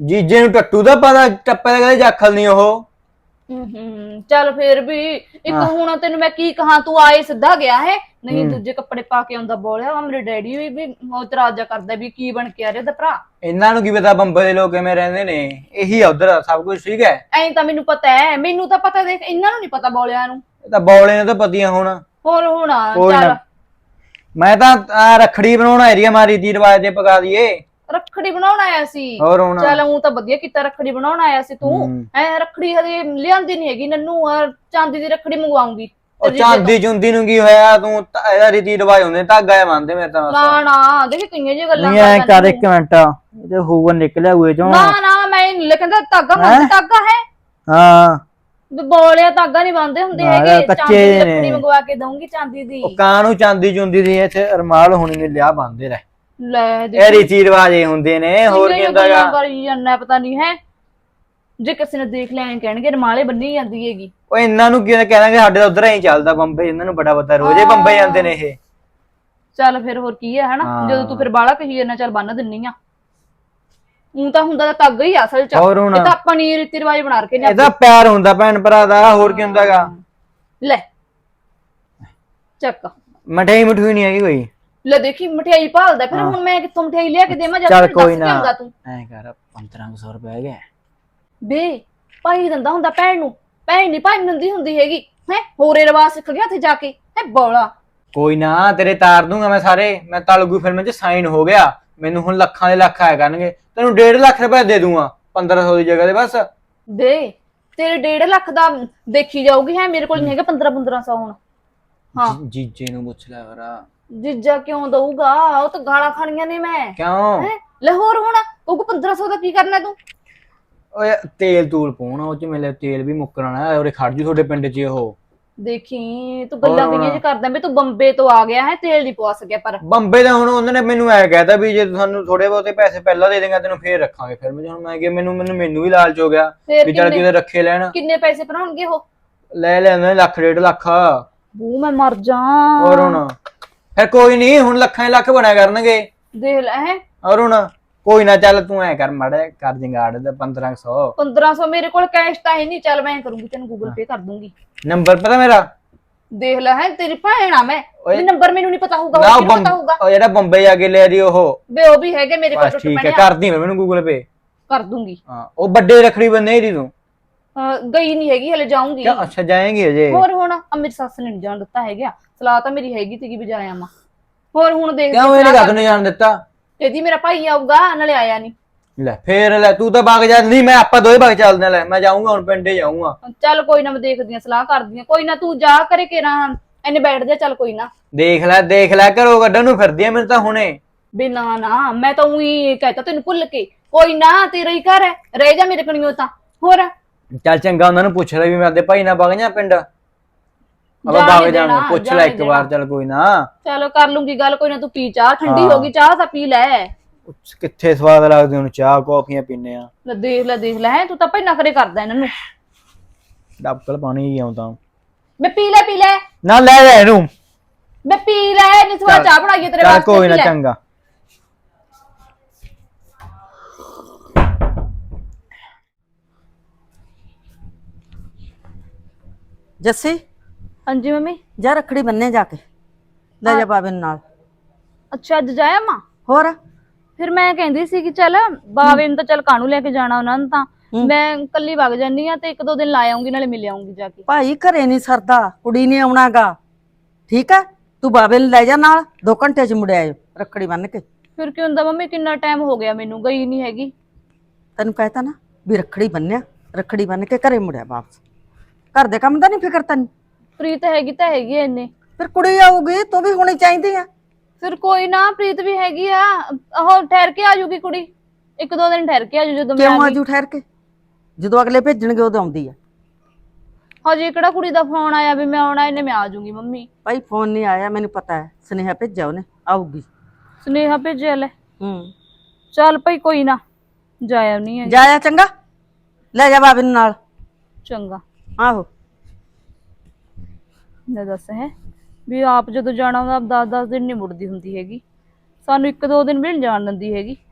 B: ਜੀਜੇ ਨੂੰ ਟੱਟੂ ਦਾ ਪਤਾ, ਟੱਪੇ ਦਾ ਕਦੇ ਜਾਖਲ ਨਹੀਂ ਉਹ।
G: ਹੂੰ ਹੂੰ ਚੱਲ ਫੇਰ ਵੀ ਇੱਕ ਹੁਣ ਤੈਨੂੰ ਮੈਂ ਕੀ ਕਹਾਂ, ਤੂੰ ਆਏ ਸਿੱਧਾ ਗਿਆ ਹੈ, ਨਹੀਂ ਦੂਜੇ ਕੱਪੜੇ ਪਾ ਕੇ ਆਉਂਦਾ ਬੋਲਿਆ। ਮੇਰੇ ਡੈਡੀ ਵੀ ਵੀ ਉਹ ਇਤਰਾਜ਼ਾ ਕਰਦਾ ਵੀ ਕੀ ਬਣ ਕੇ ਆ ਰਿਹਾ ਦਾ ਭਰਾ।
B: ਇਹਨਾਂ ਨੂੰ ਕੀ ਪਤਾ ਬੰਬੇ ਦੇ ਲੋਕ ਕਿਵੇਂ ਰਹਿੰਦੇ ਨੇ, ਇਹੀ ਆ ਉਧਰ ਸਭ ਕੁਝ ਠੀਕ ਹੈ।
G: ਐਂ ਤਾਂ ਮੈਨੂੰ ਪਤਾ ਹੈ, ਮੈਨੂੰ ਤਾਂ ਪਤਾ, ਦੇਖ ਇਹਨਾਂ ਨੂੰ ਨਹੀਂ ਪਤਾ ਬੋਲਿਆ ਨੂੰ।
B: ਇਹ ਤਾਂ ਬੌਲੇ ਨੇ ਤਾਂ ਪਤੀਆਂ ਹੁਣ।
G: ਹੋਰ ਹੁਣ
B: ਕੋਈ
G: ਚੱਲ
B: ਨਾ, ਮੈਂ ਤਾਂ ਆਹ ਰੱਖੜੀ ਬਣਾਉਣ ਏਰੀਆ ਮਾਰੀ ਦੀ ਰਿਵਾਜ ਦੇ ਪਕਾ ਦਈਏ।
G: ਰੱਖੜੀ ਬਣਾਉਣ ਆਇਆ ਸੀ।
B: ਹੋਰ ਹੁਣ
G: ਚੱਲ ਉਹ ਤਾਂ ਵਧੀਆ ਕੀਤਾ, ਰੱਖੜੀ ਬਣਾਉਣ ਆਇਆ ਸੀ ਤੂੰ।
B: ਹੂੰ।
G: ਐ ਰੱਖੜੀ ਹਜੇ ਲਿਆਂਦੀ ਨਹੀਂ ਹੈਗੀ ਨੰਨੂ, ਔਰ ਚਾਂਦੀ ਦੀ ਰੱਖੜੀ ਮੰਗਵਾਉਂਗੀ।
B: ਉਹ ਚਾਂਦੀ ਚੁੰਦੀ ਨੂੰ ਕੀ ਹੋਇਆ, ਤੂੰ ਤਾਂ ਇਹਦਾ ਰੀਤੀ ਰਿਵਾਜ ਹੁੰਦੇ, ਧਾਗਾ ਇਹ ਮੰਨਦੇ ਮੇਰੇ ਤਾਂ।
G: ਨਾ ਨਾ ਦੇਖ ਕਿੰਨੀਆਂ ਜੀ ਗੱਲਾਂ
B: ਨਹੀਂ ਐ
G: ਕਰਦਾ
B: ਕਰ
G: ਨੰਨੂ।
B: ਇੱਕ ਮਿੰਟ, ਇਹਦੇ ਹੋਊਗਾ ਨਿਕਲਿਆ ਹੋਏ ਚੋਂ।
G: ਨਾ ਨਾ ਮੈਂ ਨਹੀਂ ਲਿਖਦਾ, ਧਾਗਾ ਮੰਗ ਧਾਗਾ ਹੈ
B: ਹਾਂ
G: ਵੀ ਬੋਲਿਆ, ਧਾਗਾ ਨਹੀਂ ਬੰਨਦੇ ਹੁੰਦੇ
B: ਨਾ,
G: ਹੈਗੇ।
B: ਕੱਚੇ
G: ਚਾਂਦੀ ਦੀ
B: ਨੇ।
G: ਰੱਖੜੀ ਮੰਗਵਾ ਕੇ ਦਊਂਗੀ ਚਾਂਦੀ ਦੀ।
B: ਉਹ ਕਾਂ ਨੂੰ ਚਾਂਦੀ ਚੁੰਦੀ ਦੀ ਇੱਥੇ ਅਰਮਾਲ ਹੋਣੀ ਨੇ ਲਿਆ ਬੰਦੇ ਰਹਿ।
G: ਲੈ
B: ਇਹ ਰੀਤੀ ਰਿਵਾਜ ਇਹ ਹੁੰਦੇ ਨੇ, ਹੋਰ ਕੀ ਹੁੰਦਾ ਗਾ।
G: ਕਰੀ ਜਾਂਦਾ ਪਤਾ ਨਹੀਂ ਹੈ, ਜੇ ਕਿਸੇ ਨੇ ਦੇਖ ਲਿਆ ਐਂ ਕਹਿਣਗੇ ਰਮਾਲੇ ਬੰਨੀ ਜਾਂਦੀ ਹੈਗੀ।
B: ਉਹ ਇਹਨਾਂ ਨੂੰ ਕੀ ਕਹਿਣਗੇ, ਸਾਡੇ ਤਾਂ ਉਧਰ ਹੀ ਚੱਲਦਾ ਬੰਬੇ, ਇਹਨਾਂ ਨੂੰ ਬੜਾ ਪਤਾ, ਰੋਜ਼ੇ ਬੰਬੇ ਜਾਂਦੇ ਨੇ ਇਹ।
G: ਚੱਲ ਫਿਰ ਹੋਰ ਕੀ ਹੈ ਹਨਾ,
B: ਹਾਂ।
G: ਜਦੋਂ ਤੂੰ ਫਿਰ ਬਾਲਾ ਕਹੀ ਜਾਂਦਾ ਚੱਲ ਬੰਨ ਦਿੰਨੀ ਆ। ਉਹ ਤਾਂ ਹੁੰਦਾ ਤਾਂ ਧਾਗਾ ਹੀ ਆ ਅਸਲ ਚ,
B: ਹੋਰ ਹੁਣ
G: ਇਹ ਤਾਂ ਆਪਾਂ ਨੀ ਰੀਤੀ ਰਿਵਾਜ ਬਣਾ ਕੇ ਨਹੀਂ।
B: ਇਹਦਾ ਪਿਆਰ ਹੁੰਦਾ ਭੈਣ ਭਰਾ ਦਾ, ਹੋਰ ਕੀ ਹੁੰਦਾ ਗਾ।
G: ਲੈ ਚੱਕ
B: ਮਠਿਆਈ ਮਠੂਈ ਨਹੀਂ ਹੈਗੀ ਕੋਈ।
G: ਲੈ ਦੇਖੀ ਮਠਿਆਈ ਭਾਲਦਾ, ਫਿਰ ਹੁਣ ਮੈਂ ਕਿੱਥੋਂ ਮਠਿਆਈ ਲਿਆ ਕੇ ਦੇਵਾਂ?
B: ਚੱਲ ਕੋਈ ਨਾ,
G: ਹੁੰਦਾ ਤੂੰ
B: ਐਂ ਕਰ ਪੰਦਰਾਂ ਸੌ ਰੁਪਏ ਹੈਗੇ
G: ਬੇ, ਭਾਈ ਦਿੰਦਾ ਹੁੰਦਾ ਭੈਣ ਨੂੰ, ਭੈਣ ਨਹੀਂ ਭਾਈ ਦਿੰਦੀ ਹੁੰਦੀ ਹੈਗੀ ਹੈ। ਹੋਰੇ ਰਿਵਾਜ ਸਿੱਖ ਗਿਆ ਉੱਥੇ ਜਾ ਕੇ ਹੈ ਬੋਲਾ।
B: ਕੋਈ ਨਾ, ਤੇਰੇ ਤਾਰ ਦੂੰਗਾ ਮੈਂ ਸਾਰੇ। ਮੈਂ ਤਲਗੂ ਫਿਲਮ 'ਚ ਸਾਈਨ ਹੋ ਗਿਆ, ਮੈਨੂੰ ਹੁਣ ਲੱਖਾਂ ਦੇ ਲੱਖ ਆਇਆ ਕਰਨਗੇ। ਤੈਨੂੰ ਡੇਢ ਲੱਖ ਰੁਪਏ ਦੇ ਦੂੰਗਾ ਪੰਦਰਾਂ ਸੌ ਦੀ ਜਗ੍ਹਾ ਤੇ ਬਸ।
G: ਬੇ ਤੇਰੇ ਡੇਢ ਲੱਖ ਦਾ ਦੇਖੀ ਜਾਊਗੀ ਹੈ, ਮੇਰੇ ਕੋਲ ਨਹੀਂ ਹੈਗਾ ਪੰਦਰਾਂ ਪੰਦਰਾਂ ਸੌ ਹੁਣ। ਹਾਂ
B: ਜੀਜੇ ਨੂੰ ਪੁੱਛ ਲੈ ਵਰਾ।
G: ਜੀਜਾ ਕਿਉਂ ਦਊਗਾ, ਉਹ ਤਾਂ ਗਾਲਾਂ ਖਾਣੀਆਂ ਨੇ ਮੈਂ।
B: ਕਿਉਂ?
G: ਹੈਂ? ਲੈ ਹੋਰ ਹੁਣ ਉਹ ਪੰਦਰਾਂ ਸੌ ਦਾ ਕੀ ਕਰਨਾ ਤੂੰ?
B: ਓਏ ਤੇਲ ਤੂਲ ਪਾਉਣਾ ਉਹ 'ਚ, ਮੇਰੇ ਤੇਲ ਵੀ ਮੁੱਕਣਾ ਹੈ। ਉਰੇ ਖੜ ਜੂ ਤੁਹਾਡੇ ਪਿੰਡ 'ਚ ਉਹ।
G: ਦੇਖੀ ਤੂੰ ਗੱਲਾਂ ਕਿੰਨੀਆਂ ਜਿ ਕਰਦਾ ਵੀ ਤੂੰ ਬੰਬੇ ਤੋਂ ਆ ਗਿਆ ਹੈ, ਤੇਲ ਨਹੀਂ ਪਵਾ ਸਕਿਆ। ਪਰ
B: ਬੰਬੇ ਦਾ ਹੁਣ ਉਹਨਾਂ ਨੇ ਮੈਨੂੰ ਐ ਕਹਿਤਾ ਵੀ ਜੇ ਤੁਹਾਨੂੰ ਥੋੜੇ ਬਹੁਤੇ ਪੈਸੇ ਪਹਿਲਾਂ ਦੇ ਦੇਗਾ ਤੈਨੂੰ ਫੇਰ ਰੱਖਾਂਗੇ। ਫਿਰ ਮੈਂ ਹੁਣ ਮੈਂ ਕਿਹਾ ਮੈਨੂੰ ਮੈਨੂੰ ਮੈਨੂੰ ਵੀ ਲਾਲਚ ਹੋ ਗਿਆ
G: ਫੇਰ
B: ਵੀ ਚੱਲ
G: ਕਿੰਨੇ
B: ਕਿਤੇ ਰੱਖੇ ਲੈਣ।
G: ਕਿੰਨੇ ਪੈਸੇ ਭਰਾਉਣਗੇ ਉਹ?
B: ਲੈ ਲੈਂਦੇ ਲੱਖ ਡੇਢ ਲੱਖ।
G: ਬੂ ਮੈਂ ਮਰ ਜਾ।
B: ਹੋਰ ਹੁਣ ਫਿਰ ਕੋਈ ਨਹੀਂ, ਹੁਣ ਲੱਖਾਂ ਲੱਖ ਬਣਿਆ ਕਰਨਗੇ।
G: ਦੇਖ ਲੈ ਹੈ।
B: ਔਰ ਹੁਣ ਕੋਈ ਨਾ, ਚੱਲ ਤੂੰ ਐ ਕਰ ਮਾੜਾ ਕਰ ਜੰਗਾੜ ਦਾ ਪੰਦਰਾਂ ਸੌ।
G: ਪੰਦਰਾਂ ਸੌ ਮੇਰੇ ਕੋਲ ਕੈਸ਼ ਤਾਂ ਹੈ ਨਹੀਂ। ਚੱਲ ਮੈਂ ਕਰੂੰਗੀ, ਤੈਨੂੰ ਗੂਗਲ ਪੇ ਕਰ ਦੂੰਗੀ।
B: ਨੰਬਰ ਪਤਾ ਮੇਰਾ?
G: ਦੇਖ ਲੈ ਹੈ, ਤੇਰੀ ਭੈਣ ਆ ਮੈਂ, ਵੀ ਨੰਬਰ ਮੈਨੂੰ ਨਹੀਂ ਪਤਾ ਹੋਊਗਾ,
B: ਨਾ
G: ਹੋਰ
B: ਉਹ
G: ਕਿਹਨੂੰ ਪਤਾ ਹੋਊਗਾ?
B: ਉਹ ਜਿਹੜਾ ਬੰਬੇ ਜਾ ਕੇ ਲੈ ਰਹੀ ਉਹ।
G: ਵੇ ਉਹ ਵੀ ਹੈਗੇ ਮੇਰੇ ਕੋਲ
B: ਬਸ
G: ਟੁੱਟ
B: ਠੀਕ ਹੈ,
G: ਪੈਣੇ।
B: ਕਰਦੀ ਮੈਂ ਮੈਨੂੰ ਗੂਗਲ ਪੇ
G: ਕਰ ਦੂੰਗੀ।
B: ਹਾਂ, ਉਹ ਵੱਡੇ ਰਖੜੀ ਬੰਨੇ ਦੀ ਤੂੰ।
G: ਅਹ ਗਈ ਨਹੀਂ ਹੈਗੀ ਹਲੇ, ਜਾਊਂਗੀ।
B: ਕਿਉਂ? ਅੱਛਾ ਜਾਏਂਗੀ ਅਜੇ।
G: ਹੋਰ ਹੁਣ ਆ ਮੇਰੀ ਸੱਸ ਨੇ ਨੀ ਜਾਣ ਦਿੱਤਾ ਹੈਗਾ, ਸਲਾਹ ਤਾਂ ਮੇਰੀ ਹੈਗੀ ਸੀਗੀ ਵੀ ਜਾਇਆ ਮਾ। ਹੋਰ ਹੁਣ ਦੇਖ
B: ਕਿਉਂ ਇਹਨੇ ਕੱਖ ਨਹੀਂ ਜਾਣ ਦਿੱਤਾ?
G: ਇਹਦੀ ਮੇਰਾ ਭਾਈ ਆਊਗਾ ਨਾਲੇ ਆਇਆ ਨਹੀਂ।
B: ਲੈ ਫੇਰ ਲੈ ਤੂੰ ਤਾਂ ਬਾਗ ਜਾ। ਨਹੀਂ ਮੈਂ ਆਪਾਂ ਦੋਵੇਂ ਬਾਗ ਚੱਲਦੇ ਲੈ, ਮੈਂ ਜਾਊਂਗਾ ਹੁਣ ਪਿੰਡੇ ਜਾਊਂਗਾ।
G: ਚੱਲ ਕੋਈ ਨਾ, ਮੈਂ ਦੇਖਦੀ ਆ, ਸਲਾਹ ਕਰਦੀ ਆ। ਕੋਈ ਨਾ ਤੂੰ ਜਾ ਕਰੇ ਕੇਰਾ ਇਹਨੇ ਬੈਠ ਜਾ। ਚੱਲ ਕੋਈ ਨਾ,
B: ਦੇਖ ਲੈ ਦੇਖ ਲੈ, ਘਰੋਂ ਕੱਢਣ ਨੂੰ ਫਿਰਦੀ ਆ ਮੈਨੂੰ ਤਾਂ ਹੁਣੇ।
G: ਬੇ ਨਾ ਨਾ, ਮੈਂ ਤਾਂ ਉਹੀ ਕਹਿਤਾ ਤੈਨੂੰ ਭੁੱਲ ਕੇ। ਕੋਈ ਨਾ, ਤੇਰਾ ਹੀ ਘਰ ਹੈ, ਰਹਿ ਜਾ ਮੇਰੇ ਕਣੀਓ ਤਾਂ। ਹੋਰ
B: ਚੱਲ ਚੰਗਾ, ਉਹਨਾਂ ਨੂੰ ਪੁੱਛ ਲੈ ਵੀ ਮੈਂ ਆਪਦੇ ਭਾਈ ਨਾਲ ਵਗ ਜਾ ਪਿੰਡ। ਆਪਾਂ
G: ਜਾਣ
B: ਵਗ
G: ਨੀ
B: ਜਾਣਾ,
G: ਦੇਣਾ,
B: ਪੁੱਛ
G: ਜਾਣ
B: ਲੈ
G: ਨੀ
B: ਇੱਕ ਵਾਰ। ਚੱਲ ਕੋਈ ਨਾ,
G: ਚਲੋ ਕਰ ਲੂੰਗੀ ਗੱਲ। ਕੋਈ ਨਾ ਤੂੰ ਪੀ ਚਾਹ, ਠੰਡੀ
B: ਹਾਂ।
G: ਹੋ ਗਈ ਚਾਹ ਤਾਂ ਪੀ ਲੈ।
B: ਕਿੱਥੇ ਸਵਾਦ ਲੱਗਦੇ ਹੁਣ ਚਾਹ ਕੌਫੀਆਂ ਪੀਨੇ ਆ।
G: ਲੈ ਦੇਖ ਲੈ ਦੇਖ ਲੈ ਹੈ, ਤੂੰ ਤਾਂ ਭਾਈ ਨਖਰੇ ਕਰਦਾ ਇਹਨਾਂ ਨੂੰ।
B: ਡੱਬਲ ਪਾਣੀ ਹੀ ਆਉਂਦਾ।
G: ਮੈਂ ਪੀ ਲੈ ਪੀ ਲੈ
B: ਨਾ ਲੈ ਲੈ ਇਹਨੂੰ।
G: ਮੈਂ ਪੀ ਲੈ, ਨਹੀਂ ਥੋੜਾ ਚਾਹ ਬਣਾਈਏ ਤੇਰੇ
B: ਚੱਲ
G: ਵਾਸਤੇ।
B: ਕੋਈ ਨਾ,
G: ਪੀ ਲੈ।
B: ਚੰਗਾ।
E: ਜੱਸੀ
G: ਹਾਂਜੀ ਮੰਮੀ।
E: ਜਾ ਰੱਖੜੀ ਬੰਨੇ ਜਾ ਕੇ, ਲੈ ਜਾ ਬਾਬੇ ਨੂੰ ਨਾਲ।
G: ਅੱਛਾ ਅੱਜ ਜਾਇਆ ਮਾਂ?
E: ਹੋਰ
G: ਫਿਰ ਮੈਂ ਕਹਿੰਦੀ ਸੀ ਕਿ ਚੱਲ ਬਾਵੇ ਨੂੰ ਤਾਂ ਚੱਲ ਕਾਹਨੂੰ ਲੈ ਕੇ ਜਾਣਾ ਉਹਨਾਂ ਨੂੰ, ਤਾਂ ਮੈਂ ਕੱਲੀ ਵਗ ਜਾਨੀ ਆ ਤੇ ਇੱਕ ਦੋ ਦਿਨ ਲਾ ਆਉਂਗੀ, ਨਾਲੇ ਮਿਲ ਆਉਂਗੀ ਜਾ ਕੇ।
E: ਭਾਈ ਘਰੇ ਨਹੀਂ ਸਰਦਾ, ਕੁੜੀ ਨੇ ਆਉਣਾਗਾ। ਠੀਕ ਹੈ, ਤੂੰ ਬਾਬੇ ਨੂੰ ਲੈ ਜਾ ਨਾਲ, ਦੋ ਘੰਟੇ ਚ ਮੁੜ ਆਇਓ ਰੱਖੜੀ ਬੰਨ ਕੇ।
G: ਫਿਰ ਕੀ ਹੁੰਦਾ ਮੰਮੀ, ਕਿੰਨਾ ਟਾਈਮ ਹੋ ਗਿਆ ਮੈਨੂੰ ਗਈ ਨਹੀਂ ਹੈਗੀ।
E: ਤੈਨੂੰ ਕਹਿਤਾ ਨਾ ਵੀ ਰੱਖੜੀ ਬੰਨਿਆ, ਰੱਖੜੀ ਬੰਨ ਕੇ ਘਰੇ ਮੁੜਿਆ ਵਾਪਸ। ਘਰ ਦੇ ਕੰਮ ਦਾ ਨਹੀਂ ਫਿਕਰ ਤੈਨੂੰ?
G: ਪ੍ਰੀਤ ਹੈਗੀ ਤਾਂ ਹੈਗੀ ਐ ਇੰਨੇ।
E: ਫਿਰ ਕੁੜੀ ਆਊਗੀ, ਤੂੰ ਵੀ ਹੋਣੀ ਚਾਹੀਦੀ ਆ।
G: ਫਿਰ ਕੋਈ ਨਾ, ਪ੍ਰੀਤ ਵੀ ਹੈਗੀ ਆ, ਉਹ ਠਹਿਰ ਕੇ ਆ ਜੂਗੀ ਕੁੜੀ, ਇੱਕ ਦੋ ਦਿਨ ਠਹਿਰ ਕੇ ਆ ਜੂ ਜਦੋਂ ਮੈਂ
E: ਕਿਉਂ
G: ਆ ਗਈ।
E: ਆਜੂ ਠਹਿਰ ਕੇ? ਜਦੋਂ ਅਗਲੇ ਭੇਜਣਗੇ ਉਦੋਂ ਆਉਂਦੀ ਆ।
G: ਹਜੇ ਕਿਹੜਾ ਕੁੜੀ ਦਾ ਫੋਨ ਆਇਆ ਵੀ ਮੈਂ ਆਉਣਾ, ਇਹਨੇ ਮੈਂ ਆ ਜੂਗੀ ਮੰਮੀ।
E: ਭਾਈ ਫੋਨ ਨਹੀਂ ਆਇਆ, ਮੈਨੂੰ ਪਤਾ ਹੈ, ਸੁਨੇਹਾ ਭੇਜਿਆ ਉਹਨੇ, ਆਊਗੀ।
G: ਸੁਨੇਹਾ ਭੇਜਿਆ ਲੈ।
E: ਹੂੰ
G: ਚੱਲ ਭਾਈ ਕੋਈ ਨਾ, ਜਾਇਆ ਨਹੀਂ ਹੈ।
E: ਜਾਇਆ ਚੰਗਾ, ਲੈ ਜਾ ਬਾਬੇ ਨੂੰ ਨਾਲ।
G: ਚੰਗਾ।
E: ਆਹੋ
G: ਲੈ ਦੱਸ ਹੈ ਵੀ ਆਪ ਜਦੋਂ ਜਾਣਾ ਹੁੰਦਾ ਦਸ ਦਸ ਦਿਨ ਨਹੀਂ ਮੁੜਦੀ ਹੁੰਦੀ ਹੈਗੀ, ਸਾਨੂੰ ਇੱਕ ਦੋ ਦਿਨ ਵੀ ਨਹੀਂ ਜਾਣ ਦਿੰਦੀ ਹੈਗੀ।